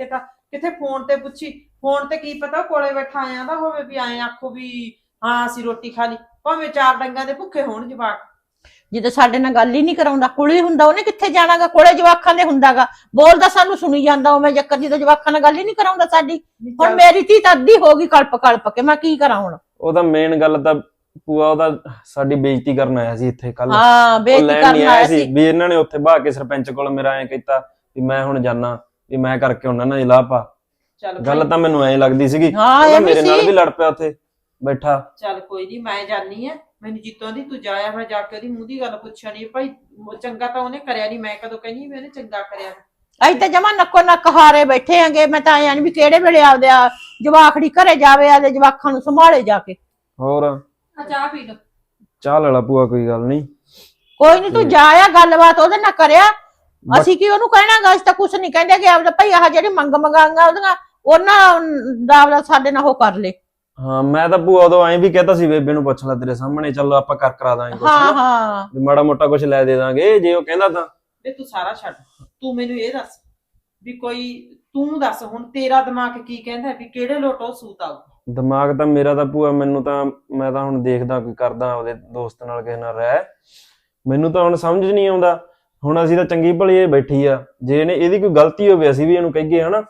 Speaker 1: ਕਿਥੇ ਫੋਨ ਤੇ ਪੁੱਛੀ। ਫੋਨ ਤੇ ਕੀ ਪਤਾ ਕੋਲੇ ਬੈਠਾ ਆਇਆ ਦਾ ਹੋਵੇ ਵੀ ਆਏ ਆਖੋ ਵੀ ਹਾਂ ਅਸੀਂ ਰੋਟੀ ਖਾ ਲਈ, ਭਾਵੇਂ 4 ਡੰਗਾਂ ਦੇ ਭੁੱਖੇ ਹੋਣ ਜਵਾਕ।
Speaker 2: ਜਦੋਂ ਸਾਡੇ ਨਾਲ ਗੱਲ ਹੀ ਨਹੀਂ ਕਰਾਉਂਦਾ, ਕੋਲੇ ਹੁੰਦਾ, ਉਹਨੇ ਕਿੱਥੇ ਜਾਣਾਗਾ, ਕੋਲੇ ਜਵਾਕਾਂ ਦੇ ਹੁੰਦਾਗਾ, ਬੋਲਦਾ ਸਾਨੂੰ ਸੁਣੀ ਜਾਂਦਾ ਉਵੇਂ ਜੱਕਰ, ਜਦੋਂ ਜਵਾਕਾਂ ਨਾਲ ਗੱਲ ਹੀ ਨਹੀਂ ਕਰਾਉਂਦਾ ਸਾਡੀ। ਹੁਣ ਮੇਰੀ ਧੀ ਤਾਂ ਅੱਧੀ ਹੋ ਗਈ ਕਲਪ ਕਲਪ ਕੇ, ਮੈਂ ਕੀ ਕਰਾਂ ਹੁਣ।
Speaker 4: ਉਹਦਾ ਮੇਨ ਗੱਲ ਤਾਂ ਭੂਆ ਉਹਦਾ ਸਾਡੀ ਬੇਇੱਜ਼ਤੀ ਕਰਨ ਆਇਆ ਸੀ ਇੱਥੇ ਕੱਲ।
Speaker 2: ਹਾਂ ਬੇਇੱਜ਼ਤੀ ਕਰਨ ਆਇਆ ਸੀ
Speaker 4: ਵੀ ਇਹਨਾਂ ਨੇ ਉੱਥੇ ਬਹਾ ਕੇ ਸਰਪੰਚ ਕੋਲ ਮੇਰਾ ਐਂ ਕੀਤਾ ਵੀ ਮੈਂ ਹੁਣ ਜਾਣਾ, ਵੀ ਮੈਂ ਕਰਕੇ ਉਹਨਾਂ ਨਾਲ ਇਲਾਹ ਪਾ। ਗੱਲ ਤਾਂ ਮੈਨੂੰ ਐਂ ਲੱਗਦੀ ਸੀਗੀ, ਮੇਰੇ ਨਾਲ ਵੀ ਲੜ ਪਿਆ ਉੱਥੇ ਬੈਠਾ।
Speaker 1: ਚੱਲ ਕੋਈ ਨਹੀਂ, ਮੈਂ ਜਾਨੀ ਆ, ਮੈਨੂੰ ਜਿੱਤੋਂ ਦੀ ਤੂੰ ਜਾਇਆ, ਮੈਂ ਜਾ ਕੇ ਉਹਦੀ ਮੂੰਹ ਦੀ ਗੱਲ ਪੁੱਛਿਆ ਨਹੀਂ ਭਾਈ, ਚੰਗਾ ਤਾਂ ਉਹਨੇ ਕਰਿਆ ਨਹੀਂ, ਮੈਂ ਕਦੋਂ ਕਹਿੰਦੀ ਵੀ ਉਹਨੇ ਚੰਗਾ ਕਰਿਆ।
Speaker 2: ਅਸੀਂ ਤਾਂ ਜਮਾ ਨੱਕੋ ਨੱਕ ਹਾਰੇ ਬੈਠੇ ਆਂਗੇ। ਮੈਂ ਤਾਂ ਆਇਆ ਨੀ ਵੀ ਕਿਹੜੇ ਵੇਲੇ ਆਪਦੇ ਜਵਾਖੜੀ ਘਰੇ ਜਾਵੇ, ਆਪਦੇ ਜਵਾਖਾਂ ਨੂੰ ਸੰਭਾਲੇ ਜਾ ਕੇ।
Speaker 4: ਹੋਰ
Speaker 3: ਚਾਹ ਪੀ ਲਓ।
Speaker 4: ਚਾਹ ਲੈ ਲਾ ਭੂਆ, ਕੋਈ ਗੱਲ ਨਹੀਂ।
Speaker 2: ਕੋਈ ਨੀ, ਤੂੰ ਜਾਇਆ, ਗੱਲਬਾਤ ਉਹਦੇ ਨਾਲ ਕਰਿਆ। ਅਸੀਂ ਕੀ ਉਹਨੂੰ ਕਹਿਣਾਗਾ, ਅਸੀਂ ਤਾਂ ਕੁਛ ਨਹੀਂ ਕਹਿੰਦੇ ਕਿ ਆਪਦਾ ਭਾਈ ਆਹ ਜਿਹੜੀ ਮੰਗਾਂਗਾ ਉਹਦੀਆਂ, ਉਹਨਾਂ ਦਾ ਸਾਡੇ ਨਾਲ ਉਹ ਕਰ ਲੈ।
Speaker 4: ਹਾਂ ਮੈਂ ਤਾਂ ਭੂਆ ਉਦੋਂ ਐਂ ਵੀ ਕਹਤਾ ਸੀ ਬੇਬੇ ਨੂੰ ਪੁੱਛ ਲੈ ਤੇਰੇ ਸਾਹਮਣੇ, ਚੱਲ ਆਪਾਂ ਕਰਾ ਦਾਂਗੇ ਕੁਛ।
Speaker 2: ਹਾਂ
Speaker 4: ਵੀ ਮਾੜਾ ਮੋਟਾ ਕੁਛ ਲੈ ਦੇ ਦਾਂਗੇ ਜੇ ਉਹ ਕਹਿੰਦਾ ਤਾਂ।
Speaker 1: ਵੇ ਤੂੰ ਸਾਰਾ ਛੱਡ, ਤੂੰ ਮੈਨੂੰ ਇਹ ਦੱਸ ਵੀ ਕੋਈ, ਤੂੰ ਦੱਸ ਹੁਣ ਤੇਰਾ ਦਿਮਾਗ ਕੀ ਕਹਿੰਦਾ ਵੀ ਕਿਹੜੇ ਲੋਟੋ ਸੂਤ ਆਊ।
Speaker 4: ਦਿਮਾਗ ਤਾਂ ਮੇਰਾ ਤਾਂ ਭੂਆ, ਮੈਨੂੰ ਤਾਂ ਮੈਂ ਤਾਂ ਹੁਣ ਦੇਖਦਾ ਕੋਈ ਕਰਦਾ ਉਹਦੇ ਦੋਸਤ ਨਾਲ ਕਿਸੇ ਨਾਲ ਰਹਿ, ਮੈਨੂੰ ਤਾਂ ਹੁਣ ਸਮਝ ਨਹੀਂ ਆਉਂਦਾ। ਹੁਣ ਅਸੀਂ ਤਾਂ ਚੰਗੀ ਭਲੀ ਇਹ ਬੈਠੀ ਆ, ਜੇ ਇਹਨੇ ਇਹਦੀ ਕੋਈ ਗਲਤੀ ਹੋਵੇ ਅਸੀਂ ਵੀ ਇਹਨੂੰ ਕਹੀਏ ਹਨਾ,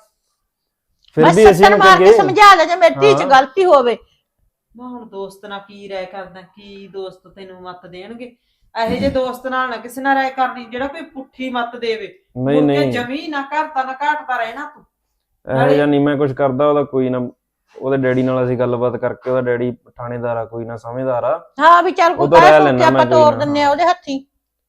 Speaker 4: ਫਿਰ ਵੀ ਅਸੀਂ ਇਹਨੂੰ ਕਹੀਏ।
Speaker 2: ਸਮਝਾ ਲੈ ਜੇ ਮੇਰੀ ਧੀ ਚ ਗਲਤੀ ਹੋਵੇ।
Speaker 1: ਨਾ ਹੁਣ ਦੋਸਤ ਨਾਲ ਕੀ ਰਾਏ ਕਰਦਾ, ਕੀ ਦੋਸਤ ਤੈਨੂੰ ਮੱਤ ਦੇਣਗੇ। ਇਹੋ ਜਿਹੇ ਦੋਸਤ ਨਾਲ ਨਾ ਕਿਸੇ ਨਾਲ ਰਾਏ ਕਰਨੀ ਜਿਹੜਾ ਕੋਈ ਪੁੱਠੀ ਮੱਤ ਦੇਵੇ।
Speaker 4: ਨਹੀਂ ਨਹੀਂ,
Speaker 1: ਜਮੀ ਨਾ ਘਾਟਤਾ ਨਾ ਘਾਟਦਾ ਰਹਿਣਾ ਤੂੰ।
Speaker 4: ਇਹੋ ਜਿਹਾ ਨਹੀਂ ਮੈਂ ਕੁਝ ਕਰਦਾ, ਉਹਦਾ ਕੋਈ ਨਾ, ਉਹਦੇ ਡੈਡੀ ਨਾਲ ਅਸੀਂ ਗੱਲਬਾਤ ਕਰਕੇ, ਉਹਦਾ ਡੈਡੀ ਥਾਣੇਦਾਰ ਆ, ਕੋਈ ਨਾ ਸਮਝਦਾਰ ਆ।
Speaker 2: ਹਾਂ ਵੀ ਚੱਲ ਕੋਈ ਕਹਿ ਆਪਾਂ ਤੋੜ ਦਿੰਨੇ ਆ ਉਹਦੇ ਹੱਥੀ।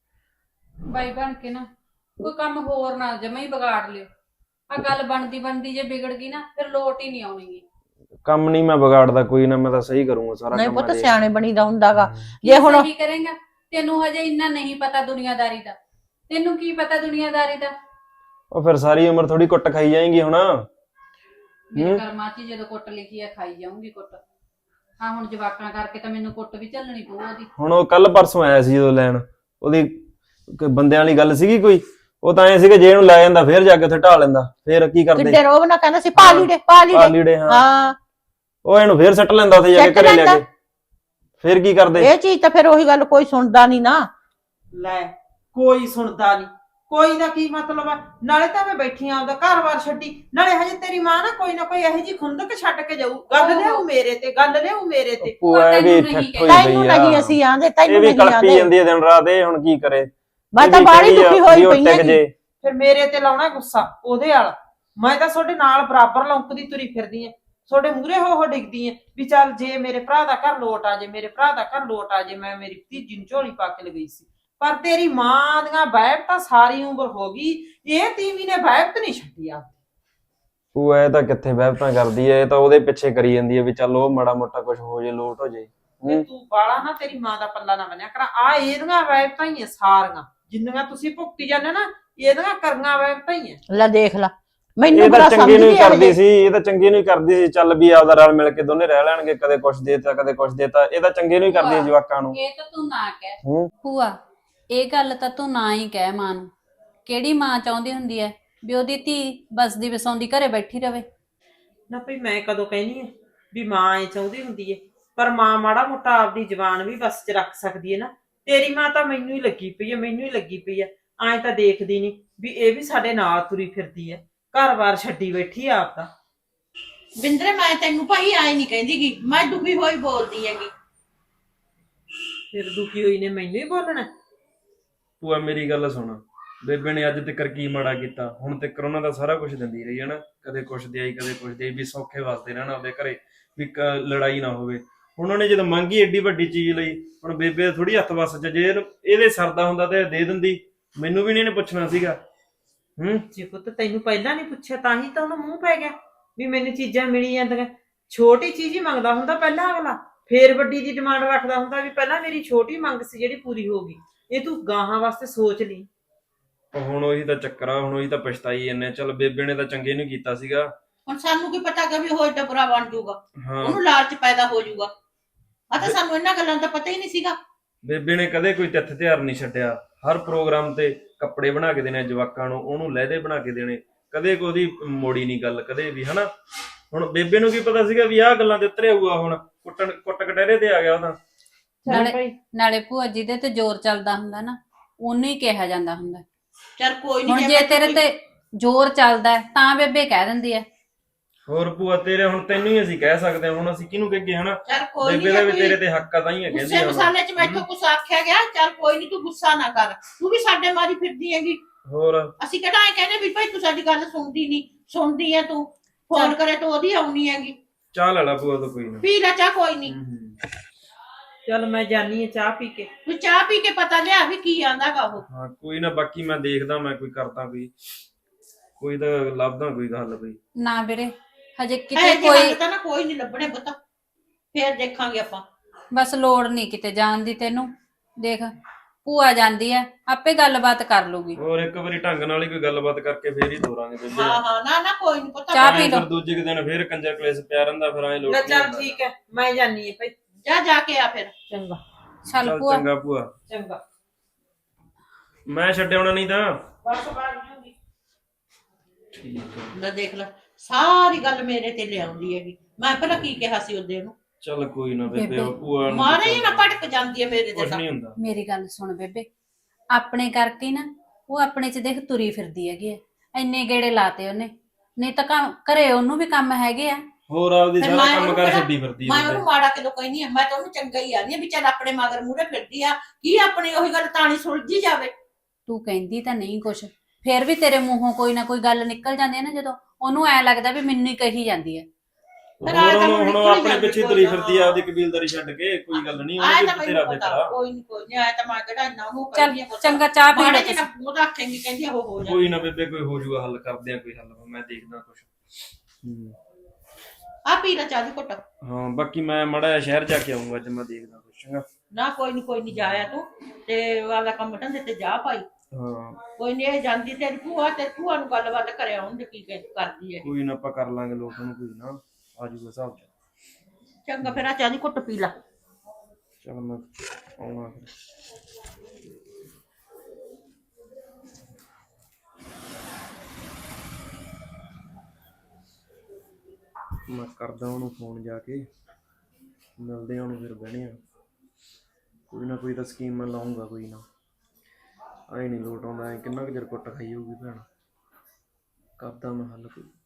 Speaker 3: ਬਾਈ ਬਣ ਕੇ ਨਾ ਕੋਈ ਕੰਮ ਹੋਰ ਨਾ ਜਮਾ ਹੀ ਵਿਗਾੜ ਲਿਓ। ਆ ਗੱਲ ਬਣਦੀ ਜੇ ਵਿਗੜ ਗਈ ਨਾ, ਫਿਰ ਲੋਟ ਹੀ ਨਹੀਂ ਆਉਣੀ।
Speaker 4: ਕੰਮ ਨਹੀਂ ਮੈਂ ਵਿਗਾੜਦਾ, ਕੋਈ ਨਾ, ਮੈਂ ਤਾਂ ਸਹੀ ਕਰੂੰਗਾ ਸਾਰਾ ਕੰਮ।
Speaker 2: ਨਹੀਂ ਪੁੱਤ, ਸਿਆਣੇ ਬਣੀਦਾ ਹੁੰਦਾਗਾ। ਜੇ ਹੁਣ
Speaker 3: ਸਹੀ ਕਰੇਗਾ, ਤੈਨੂੰ ਹਜੇ ਇੰਨਾ ਨਹੀਂ ਪਤਾ ਦੁਨੀਆਦਾਰੀ ਦਾ। ਤੈਨੂੰ ਕੀ ਪਤਾ ਦੁਨੀਆਦਾਰੀ ਦਾ?
Speaker 4: ਉਹ ਫਿਰ ਸਾਰੀ ਉਮਰ ਥੋੜੀ ਕੁੱਟ ਖਾਈ ਜਾਏਗੀ ਹੁਣ।
Speaker 3: ਮੇਰੇ ਕਰਮਾਂ 'ਚ ਜਦੋਂ ਕੁੱਟ ਲਿਖੀ ਆ, ਖਾਈ ਜਾਊਂਗੀ ਕੁੱਟ। ਹਾਂ ਹੁਣ ਜਵਾਕਾਂ ਕਰਕੇ ਤਾਂ ਮੈਨੂੰ ਕੁੱਟ ਵੀ ਝੱਲਣੀ ਪਊ ਉਹਦੀ।
Speaker 4: ਹੁਣ ਉਹ ਕੱਲ ਪਰਸੋਂ ਆਇਆ ਸੀ ਜਦੋਂ ਲੈਣ, ਉਹਦੀ ਬੰਦਿਆਂ ਵਾਲੀ ਗੱਲ ਸੀਗੀ ਕੋਈ, ਉਹ ਤਾਂ ਐ ਸੀਗਾ ਜੇ ਇਹਨੂੰ ਲੈ ਜਾਂਦਾ ਫੇਰ ਜਾ ਕੇ ਉੱਥੇ ਢਾ ਲੈਂਦਾ, ਫੇਰ ਕੀ ਕਰਦੇ?
Speaker 2: ਕਿੱਡੇ ਰੋਬ ਨਾ ਕਹਿੰਦਾ ਸੀ ਪਾ ਲੀੜੇ
Speaker 4: ਹਾਂ, ਉਹ ਇਹਨੂੰ ਫੇਰ ਸੱਟ ਲੈਂਦਾ ਉੱਥੇ ਜਾ ਕੇ ਘਰੇ ਲੈ ਕੇ, ਫੇਰ ਕੀ ਕਰਦੇ?
Speaker 2: ਇਹ ਚੀਜ਼ ਤਾਂ ਫਿਰ ਉਹੀ ਗੱਲ, ਕੋਈ ਸੁਣਦਾ ਨਹੀਂ ਨਾ।
Speaker 1: ਲੈ ਕੋਈ ਸੁਣਦਾ ਨਹੀਂ, ਕੋਈ ਦਾ ਕੀ ਮਤਲਬ ਆ? ਨਾਲੇ ਤਾਂ ਮੈਂ ਬੈਠੀ ਆਂ ਉਹਦਾ ਘਰ-ਬਾਰ ਛੱਡੀ, ਨਾਲੇ ਹਜੇ ਤੇਰੀ ਮਾਂ ਨਾ ਕੋਈ ਇਹੋ ਜਿਹੀ ਖੁੰਦਕ ਛੱਡ ਕੇ ਜਾਊ। ਗੱਲ ਲਿਆਉ ਮੇਰੇ ਤੇ, ਗੱਲ ਲਿਆਉ ਮੇਰੇ ਤੇ।
Speaker 2: ਤੈਨੂੰ ਨਹੀਂ ਅਸੀਂ ਆਂਦੇ, ਤੈਨੂੰ ਨਹੀਂ ਆਂਦੇ।
Speaker 4: ਕਲਪੀ ਜਾਂਦੀ ਹੈ ਦਿਨ ਰਾਤ, ਇਹ ਹੁਣ ਕੀ ਕਰੇ?
Speaker 2: ਮੈਂ ਤਾਂ ਬਾਹਲੀ ਦੁਖੀ ਹੋਈ ਪਈ ਆਂ।
Speaker 1: ਫਿਰ ਮੇਰੇ ਤੇ ਲਾਉਣਾ ਗੁੱਸਾ ਉਹਦੇ ਵਾਲਾ। ਮੈਂ ਤਾਂ ਤੁਹਾਡੇ ਨਾਲ ਬਰਾਬਰ ਲੌਂਕਦੀ ਤੁਰੀ ਫਿਰਦੀ ਆਂ, ਤੁਹਾਡੇ ਮੂਹਰੇ ਹੋ ਡਿੱਗਦੀ ਆਂ ਵੀ ਚੱਲ ਜੇ ਮੇਰੇ ਭਰਾ ਦਾ ਘਰ ਲੋਟ ਆ ਜੇ, ਮੇਰੇ ਭਰਾ ਦਾ ਘਰ ਲੋਟ ਆ ਜੇ। ਮੈਂ ਮੇਰੀ ਭਤੀਜੀ ਨੂੰ ਝੋਲੀ ਪਾ ਕੇ ਲਗਈ ਸੀ, ਪਰ ਤੇਰੀ ਮਾਂ ਦੀਆਂ ਵਹਿਬਤ ਤਾਂ ਸਾਰੀ ਉਮਰ ਹੋ ਗਈ, ਇਹ ਤੀਵੀਂ ਨੇ ਵਹਿਬਤ ਨਹੀਂ ਛੱਡੀ ਆ।
Speaker 4: ਉਹ ਇਹ ਤਾਂ ਕਿੱਥੇ ਵਹਿਬਤਾਂ ਕਰਦੀ ਐ, ਇਹ ਤਾਂ ਉਹਦੇ ਪਿੱਛੇ ਕਰੀ ਜਾਂਦੀ ਐ ਵੀ ਚੱਲ ਉਹ ਮਾੜਾ ਮੋਟਾ ਕੁਝ ਹੋ ਜੇ, ਲੋਟ ਹੋ ਜੇ।
Speaker 1: ਤੂੰ ਬਾਲਾ ਨਾ ਤੇਰੀ ਮਾਂ ਦਾ ਪੱਲਾ ਨਾ ਬੰਨਿਆ ਕਰ। ਆ ਇਹਦੀਆਂ ਵਹਿਬਤਾਂ ਹੀ ਆ ਸਾਰੀਆਂ, ਜਿੰਨੀਆਂ ਤੁਸੀਂ ਭੁਗਤੀ ਜਾਂਦੇ ਨਾ, ਇਹਦੀਆਂ ਕਰੀਆਂ ਵਹਿਬਤਾਂ ਹੀ ਆ।
Speaker 2: ਲੈ ਦੇਖ ਲਾ, ਮੈਨੂੰ
Speaker 4: ਇਹ ਤਾਂ
Speaker 2: ਬੜਾ
Speaker 4: ਚੰਗੇ ਨੂੰ ਹੀ
Speaker 2: ਸਮਝਦੀ
Speaker 4: ਕਰਦੀ ਸੀ, ਇਹ ਤਾਂ ਚੰਗੇ ਨੂੰ ਹੀ ਕਰਦੀ ਸੀ। ਚੱਲ ਵੀ ਆਪਦਾ ਰਲ ਮਿਲ ਕੇ ਦੋਨੇ ਰਹਿ ਲੈਣਗੇ, ਕਦੇ ਕੁਛ ਦੇਤਾ ਕਦੇ ਕੁਛ ਦੇਤਾ। ਇਹ ਤਾਂ ਚੰਗੇ ਨੂੰ ਹੀ ਕਰਦੀ ਹੈ ਜਵਾਕਾਂ ਨੂੰ।
Speaker 3: ਇਹ ਤਾਂ ਤੂੰ ਨਾ ਕਹਿ ਭੂਆ, ਇਹ ਗੱਲ ਤਾਂ ਤੂੰ ਨਾ ਹੀ ਕਹਿ ਮਾਂ ਨੂੰ। ਕਿਹੜੀ ਮਾਂ ਚਾਹੁੰਦੀ ਹੁੰਦੀ ਹੈ ਵੀ ਉਹਦੀ ਧੀ ਬਸਦੀ ਵਸਾਉਂਦੀ ਘਰੇ ਬੈਠੀ ਰਵੇ?
Speaker 1: ਨਾ ਭਈ ਮੈਂ ਕਦੋਂ ਕਹਿਨੀ ਹੈ ਵੀ ਮਾਂ ਇਹ ਚਾਹੁੰਦੀ ਹੁੰਦੀ ਹੈ, ਪਰ ਮਾਂ ਮਾੜਾ ਮੋਟਾ ਆਪਦੀ ਜ਼ਬਾਨ ਵੀ ਬਸ 'ਚ ਰੱਖ ਸਕਦੀ ਹੈ ਨਾ। ਤੇਰੀ ਮਾਂ ਤਾਂ ਮੈਨੂੰ ਹੀ ਲੱਗੀ ਪਈ ਹੈ, ਮੈਨੂੰ ਹੀ ਲੱਗੀ ਪਈ ਹੈ। ਐਂ ਤਾਂ ਦੇਖਦੀ ਨਹੀਂ ਵੀ ਇਹ ਵੀ ਸਾਡੇ ਨਾਲ ਤੁਰੀ ਫਿਰਦੀ ਹੈ, ਘਰ-ਬਾਰ ਛੱਡੀ ਬੈਠੀ ਆ ਆਪ ਤਾਂ।
Speaker 2: ਬਿੰਦਰੇ ਮੈਂ ਤੈਨੂੰ ਭਾਈ ਆਏ ਨਹੀਂ ਕਹਿੰਦੀ ਗੀ, ਮੈਂ ਦੁਖੀ ਹੋਈ ਬੋਲਦੀ ਹੈਗੀ।
Speaker 1: ਫਿਰ ਦੁਖੀ ਹੋਈ ਨੇ ਮੈਨੂੰ ਹੀ ਬੋਲਣਾ?
Speaker 4: ਭੂਆ ਮੇਰੀ ਗੱਲ ਸੁਣ, ਬੇਬੇ ਨੇ ਅੱਜ ਤੱਕ ਕੀ ਮਾੜਾ ਕੀਤਾ? ਹੁਣ ਤੱਕ ਉਹਨਾਂ ਦਾ ਸਾਰਾ ਕੁਝ ਦਿੰਦੀ ਰਹੀ ਹੈ ਨਾ, ਕਦੇ ਕੁਛ ਦੇ ਆਈ ਕਦੇ ਕੁਛ ਦੇ, ਵੀ ਸੌਖੇ ਵਾਸਤੇ ਰਹਿਣਾ ਉਹਦੇ ਘਰੇ, ਵੀ ਲੜਾਈ ਨਾ ਹੋਵੇ। ਹੁਣ ਉਹਨੇ ਜਦੋਂ ਮੰਗੀ ਏਡੀ ਵੱਡੀ ਚੀਜ਼ ਲਈ, ਹੁਣ ਬੇਬੇ ਥੋੜੀ ਹੱਥ ਵੱਸ ਚ, ਜੇ ਇਹਦੇ ਸਰਦਾ ਹੁੰਦਾ ਤੇ ਦੇ ਦਿੰਦੀ, ਮੈਨੂੰ ਵੀ ਨਹੀਂ ਇਹਨੇ ਪੁੱਛਣਾ ਸੀਗਾ।
Speaker 1: ਜੇ ਪੁੱਤ ਤੈਨੂੰ ਪਹਿਲਾਂ ਨਹੀਂ ਪੁੱਛਿਆ ਤਾਂ ਹੀ ਤਾਂ ਉਹਨੂੰ ਮੂੰਹ ਪੈ ਗਿਆ ਵੀ ਮੈਨੂੰ ਚੀਜ਼ਾਂ ਮਿਲੀ ਜਾਂਦੀਆਂ। ਛੋਟੀ ਚੀਜ਼ ਹੀ ਮੰਗਦਾ ਹੁੰਦਾ ਪਹਿਲਾਂ ਅਗਲਾ, ਫੇਰ ਵੱਡੀ ਦੀ ਡਿਮਾਂਡ ਰੱਖਦਾ ਹੁੰਦਾ ਵੀ ਪਹਿਲਾਂ ਮੇਰੀ ਛੋਟੀ ਮੰਗ ਸੀ ਜਿਹੜੀ ਪੂਰੀ ਹੋ ਗਈ। ਇਹ ਤੂੰ ਗਾਹਾਂ ਵਾਸਤੇ ਸੋਚ ਲਈ।
Speaker 4: ਹੁਣ ਉਹੀ ਤਾਂ ਚੱਕਰ ਆ, ਹੁਣ ਉਹੀ ਤਾਂ ਪਛਤਾਈ ਜਾਂਦੇ। ਚੱਲ ਬੇਬੇ ਨੇ ਤਾਂ ਚੰਗੇ ਨੂੰ ਕੀਤਾ ਸੀਗਾ,
Speaker 2: ਹੁਣ ਸਾਨੂੰ ਕੀ ਪਤਾ ਕਿ ਵੀ ਉਹ ਏਡਾ ਬੁਰਾ ਬਣ ਜਾਊਗਾ, ਉਹਨੂੰ ਲਾਲਚ ਪੈਦਾ ਹੋ ਜਾਊਗਾ। ਆ ਤਾਂ ਸਾਨੂੰ ਇਹਨਾਂ ਗੱਲਾਂ ਦਾ ਪਤਾ ਹੀ ਨਹੀਂ ਸੀਗਾ।
Speaker 4: ਬੇਬੇ ਨੇ ਕਦੇ ਕੋਈ ਤਿੱਥ ਤਿਉਹਾਰ ਨਹੀਂ ਛੱਡਿਆ, ਹਰ ਪ੍ਰੋਗਰਾਮ ਤੇ ਕੱਪੜੇ ਬਣਾ ਕੇ ਦੇਣੇ ਜਵਾਕਾਂ ਨੂੰ, ਉਹਨੂੰ ਲਹਿਦੇ ਬਣਾ ਕੇ ਦੇਣੇ, ਕਦੇ ਕੋਈ ਮੋੜੀ ਨਹੀਂ ਗੱਲ ਕਦੇ ਵੀ ਹਨਾ। ਹੁਣ ਬੇਬੇ ਨੂੰ ਕੀ ਪਤਾ ਸੀਗਾ ਵੀ ਆਹ ਗੱਲਾਂ ਤੇ ਉਤਰੇ ਆਊਗਾ, ਹੁਣ ਕੁੱਟ ਕਟਹਿਰੇ ਤੇ ਆ ਗਿਆ ਉਹਦਾ।
Speaker 3: ਨਾਲੇ ਭੂਆ ਜਿਹਦੇ ਤੇ ਜ਼ੋਰ ਚੱਲਦਾ ਹੁੰਦਾ ਨਾ ਉਹਨੂੰ ਹੀ ਕਿਹਾ ਜਾਂਦਾ ਹੁੰਦਾ।
Speaker 2: ਚੱਲ ਕੋਈ
Speaker 3: ਹੁਣ
Speaker 2: ਨਹੀਂ
Speaker 3: ਜੇ ਤੇਰੇ ਤੇ ਜ਼ੋਰ ਚੱਲਦਾ ਹੈ, ਤਾਂ ਬੇਬੇ ਕਹਿ ਦਿੰਦੀ ਹੈ।
Speaker 4: ਹੋਰ ਭੂਆ ਤੇਰੇ ਹੁਣ ਤੈਨੂੰ ਹੀ ਅਸੀਂ ਕਹਿ ਸਕਦੇ ਹਾਂ, ਹੁਣ ਅਸੀਂ ਕਿਹਨੂੰ ਕਹੀਏ ਹਨਾ।
Speaker 2: ਚੱਲ ਕੋਈ
Speaker 4: ਬੇਬੇ ਦਾ ਵੀ
Speaker 2: ਨਹੀਂ
Speaker 4: ਤੇਰੇ ਤੇ ਹੱਕ ਆ, ਤਾਂ ਹੀ ਹੈ ਕਹਿੰਦੀ
Speaker 2: ਗੁੱਸੇ
Speaker 4: ਆ
Speaker 2: ਮਸਾਲੇ ਚ ਮੈਥੋਂ ਕੁਛ ਆਖਿਆ ਗਿਆ। ਚੱਲ ਕੋਈ ਨਹੀਂ, ਤੂੰ ਗੁੱਸਾ ਨਾ ਕਰ, ਤੂੰ ਵੀ ਸਾਡੇ ਮਾਰੀ ਫਿਰਦੀ ਹੈਗੀ।
Speaker 4: ਹੋਰ
Speaker 2: ਅਸੀਂ ਕਿਹੜਾ ਇਹ ਕਹਿੰਦੇ ਵੀ ਭਾਈ ਤੂੰ ਸਾਡੀ ਗੱਲ ਸੁਣਦੀ ਨਹੀਂ, ਸੁਣਦੀ ਹੈ ਤੂੰ, ਫੋਨ ਕਰੇ ਤਾਂ ਉਹਦੀ ਆਉਣੀ ਹੈਗੀ।
Speaker 4: ਚਾਹ ਲੈ ਲਾ ਭੂਆ ਤੋਂ ਕੋਈ ਨਾ।
Speaker 2: ਪੀ ਲੈ ਚਾਹ, ਕੋਈ ਨਹੀਂ।
Speaker 1: ਚਲ ਮੈਂ ਜਾਨੀ ਆ ਚਾਹ ਪੀ ਕੇ।
Speaker 2: ਤੂੰ ਚਾਹ ਪੀ ਕੇ ਪਤਾ ਲਿਆ ਵੀ ਕੀ ਆਂਦਾਗਾ ਉਹ।
Speaker 4: ਹਾਂ ਕੋਈ ਨਾ, ਬਾਕੀ ਮੈਂ ਦੇਖਦਾ, ਮੈਂ ਕੋਈ ਕਰਦਾ ਕੋਈ ਤਾਂ ਲੱਭਦਾ ਕੋਈ ਹੱਲ ਕੋਈ।
Speaker 3: ਨਾ ਵੀਰੇ ਹਜੇ ਕਿਤੇ
Speaker 2: ਇਹ ਜੇ
Speaker 3: ਕੋਈ
Speaker 2: ਹੱਲ ਤਾਂ ਨਾ ਕੋਈ ਨਹੀਂ ਲੱਭਣੇ ਪੁੱਤ, ਫੇਰ ਦੇਖਾਂਗੇ ਆਪਾਂ।
Speaker 3: ਬਸ ਲੋੜ ਨਹੀਂ ਕਿਤੇ ਜਾਣ ਦੀ ਤੈਨੂੰ। ਦੇਖ ਭੂਆ ਜਾਂਦੀ ਹੈ, ਆਪੇ ਗੱਲਬਾਤ ਕਰ ਲੂਗੀ।
Speaker 4: ਹੋਰ ਇੱਕ ਵਾਰੀ ਢੰਗ ਨਾਲ ਹੀ ਕੋਈ ਗੱਲਬਾਤ ਕਰਕੇ ਫੇਰ ਹੀ ਤੋਰਾਂਗੇ ਬੇਬੇ।
Speaker 2: ਹਾਂ ਹਾਂ, ਨਾ ਨਾ ਕੋਈ ਨਹੀਂ ਪੁੱਤ।
Speaker 3: ਚਾਹ ਪੀ ਲਓ।
Speaker 4: ਫਿਰ ਦੂਜੇ ਕੁ ਦਿਨ ਫੇਰ ਕੰਜਰ ਕਲੇਸ਼ ਪਿਆ ਰਹਿੰਦਾ, ਫਿਰ ਐ ਲੋਟ
Speaker 1: ਲੈ
Speaker 4: ਨਹੀਂ
Speaker 1: ਚੱਲ
Speaker 4: ਹੁੰਦਾ।
Speaker 1: ਠੀਕ ਹੈ, ਮੈਂ ਜਾਨੀ ਆ ਭਾਈ।
Speaker 2: ਜਾ ਕੇ ਆ ਫਿਰ।
Speaker 1: ਚੰਗਾ
Speaker 3: ਚੱਲ
Speaker 4: ਚੱਲ
Speaker 3: ਭੂਆ
Speaker 4: ਚੰਗਾ ਭੂਆ,
Speaker 1: ਚੰਗਾ।
Speaker 4: ਮੈਂ ਛੱਡ ਆਉਣਾ ਨਹੀਂ ਤਾਂ।
Speaker 1: ਬਸ ਬਾਹਰ ਜੂਗੀ।
Speaker 4: ਠੀਕ ਹੈ,
Speaker 2: ਲੈ ਦੇਖ ਲੈ, ਸਾਰੀ ਗੱਲ ਮੇਰੇ ਤੇ ਲਿਆਉਂਦੀ ਹੈਗੀ। ਮੈਂ ਪਹਿਲਾਂ ਕੀ ਕਿਹਾ ਸੀ ਉਹਦੇ ਨੂੰ?
Speaker 4: ਚੱਲ ਕੋਈ ਨਾ ਬੇਬੇ,
Speaker 3: ਬੇਬੇ।
Speaker 4: ਭੂਆ ਨੂੰ
Speaker 2: ਮਾਰੇ ਹੀ ਨਾ ਭਟਕ ਜਾਂਦੀ ਹੈ ਮੇਰੇ ਤੇ
Speaker 4: ਕੁਛ
Speaker 2: ਤਾਂ।
Speaker 4: ਨਹੀਂ ਹੁੰਦਾ।
Speaker 3: ਮੇਰੀ ਗੱਲ ਸੁਣ ਬੇਬੇ, ਆਪਣੇ ਕਰਕੇ ਨਾ ਉਹ ਆਪਣੇ ਚ ਦੇਖ ਤੁਰੀ ਫਿਰਦੀ ਹੈਗੀ ਐ। ਇੰਨੇ ਗੇੜੇ ਲਾਤੇ ਉਹਨੇ, ਨਹੀਂ ਤਾਂ ਘਰੇ ਉਹਨੂੰ ਵੀ ਕੰਮ ਹੈਗੇ ਆ।
Speaker 4: ਹੋਰ ਆਪਦੀ
Speaker 2: ਫਿਰ
Speaker 4: ਸਾਰਾ
Speaker 2: ਮੈਂ
Speaker 4: ਕੰਮ
Speaker 2: ਉਹਨੂੰ
Speaker 4: ਕਰ
Speaker 2: ਕਿਹੜਾ-
Speaker 4: ਛੱਡੀ ਫਿਰਦੀ
Speaker 2: ਮੈਂ
Speaker 4: ਹੈ
Speaker 2: ਉਹਨੂੰ ਮਾੜਾ ਕਿਦੋਂ ਕਹਿੰਦੀ ਆ? ਮੈਂ ਤਾਂ ਉਹਨੂੰ ਚੰਗਾ ਹੀ ਆਨੀ ਆ ਵੀ ਚੱਲ ਆਪਣੇ ਮਗਰ ਮੂਹਰੇ ਫਿਰਦੀ ਆ, ਕੀ ਆਪਣੀ ਉਹੀ ਗੱਲ ਤਾਣੀ ਸੁਲਝੀ ਜਾਵੇ।
Speaker 3: ਤੂੰ ਕਹਿੰਦੀ ਤਾਂ ਨਹੀਂ ਕੁਛ, ਫੇਰ ਵੀ ਤੇਰੇ ਮੂੰਹੋਂ ਕੋਈ ਨਾ ਕੋਈ ਗੱਲ ਨਿਕਲ ਜਾਂਦੀ ਹੈ ਨਾ, ਜਦੋਂ ਉਹਨੂੰ ਐ ਲੱਗਦਾ ਵੀ ਮੈਨੂੰ ਹੀ ਕਹੀ ਜਾਂਦੀ ਹੈ।
Speaker 2: ਫਿਰ
Speaker 4: ਹੋਰ
Speaker 2: ਆਏ ਤਾਂ
Speaker 4: ਹੁਣ
Speaker 2: ਨਿਕਲ ਹੀ
Speaker 4: ਆਪਣੇ
Speaker 2: ਜਾਂਦੀ
Speaker 4: ਪਿੱਛੇ
Speaker 2: ਕੋਈ
Speaker 4: ਤੁਰੀ
Speaker 2: ਨਾ।
Speaker 4: ਫਿਰਦੀ ਆ, ਆਪਦੀ ਕਬੀਲਦਾਰੀ ਛੱਡ ਕੇ। ਕੋਈ ਗੱਲ ਨਹੀਂ,
Speaker 2: ਆਏ ਤਾਂ
Speaker 4: ਉਹਨੇ ਤੇਰਾ
Speaker 2: ਮੈਨੂੰ
Speaker 4: ਫਿਕਰ
Speaker 2: ਪਤਾ,
Speaker 4: ਆ।
Speaker 2: ਕੋਈ ਨਹੀਂ ਆਏ ਤਾਂ ਮੈਂ ਕਿਹੜਾ ਇੰਨਾ ਉਹਨੂੰ
Speaker 3: ਚੱਲ
Speaker 2: ਕਹਿੰਦੀ ਆ ਪੁੱਤ।
Speaker 3: ਚੰਗਾ, ਚਾਹ ਪੀ
Speaker 2: ਮਾੜੇ
Speaker 3: ਲੈ
Speaker 2: ਜਿਹੇ
Speaker 3: ਤੁਸੀਂ।
Speaker 2: ਨਾ ਉਹਦਾ ਆਖੇਂਗੀ, ਕਹਿੰਦੀ ਉਹ ਹੋ
Speaker 4: ਕੋਈ
Speaker 2: ਜਾਂਦਾ।
Speaker 4: ਨਾ ਬੇਬੇ, ਕੋਈ ਹੋ ਜਾਊਗਾ ਹੱਲ, ਕਰਦੇ ਆ ਕੋਈ ਹੱਲ, ਮੈਂ ਦੇਖਦਾ ਕੁਛ।
Speaker 2: ਆ ਪੀ ਲੈ ਚਾਹ ਦੀ ਘੁੱਟ।
Speaker 4: ਹਾਂ ਬਾਕੀ ਮੈਂ ਮਾੜਾ ਜਿਹਾ ਸ਼ਹਿਰ ਜਾ ਕੇ ਆਉਂਗਾ ਅੱਜ, ਮੈਂ ਦੇਖਦਾ ਕੁਛ। ਚੰਗਾ
Speaker 2: ਨਾ ਕੋਈ ਨਹੀਂ ਜਾਇਆ ਤੂੰ, ਤੇ ਵਾਲਾ ਕੰਮ ਧੰਦੇ ਤੇ ਜਾ ਭਾਈ।
Speaker 4: ਹਾਂ
Speaker 2: ਕੋਈ ਨਹੀਂ, ਇਹ ਜਾਂਦੀ ਤੇਰੀ ਭੂਆ, ਤੇ ਭੂਆ ਨੂੰ ਗੱਲਬਾਤ ਕਰਿਆ ਉਹਨੇ ਕੀ ਕਰਦੀ ਹੈ।
Speaker 4: ਕੋਈ ਨਾ, ਆਪਾਂ ਕਰ ਲਾਂਗੇ ਲੋਟ ਨੂੰ, ਕੋਈ ਨਾ ਆ ਜਾਊਗਾ ਹਿਸਾਬ ਚ।
Speaker 2: ਚੰਗਾ ਫਿਰ ਆ ਚਾਹ ਦੀ ਘੁੱਟ ਪੀ ਲੈ।
Speaker 4: ਚਲ ਮੈਂ ਆਉਣਾ ਫਿਰ। ਮੈਂ ਕਰਦਾ ਉਹਨੂੰ ਫੋਨ, ਜਾ ਕੇ ਮਿਲਦੇ ਆ ਉਹਨੂੰ, ਫਿਰ ਬਹਿਣੇ ਆ। ਕੋਈ ਨਾ ਕੋਈ ਤਾਂ ਸਕੀਮ ਮੈਂ ਲਾਉਂਗਾ, ਕੋਈ ਨਾ। ਆਏ ਨਹੀਂ ਲੋਟ ਆਉਂਦਾ, ਐ ਕਿੰਨਾ ਕੁ ਚਿਰ ਕੁੱਟ ਖਾਈ ਹੋਊਗੀ ਭੈਣ। ਕਰਦਾ ਮੈਂ ਹੱਲ ਕੋਈ।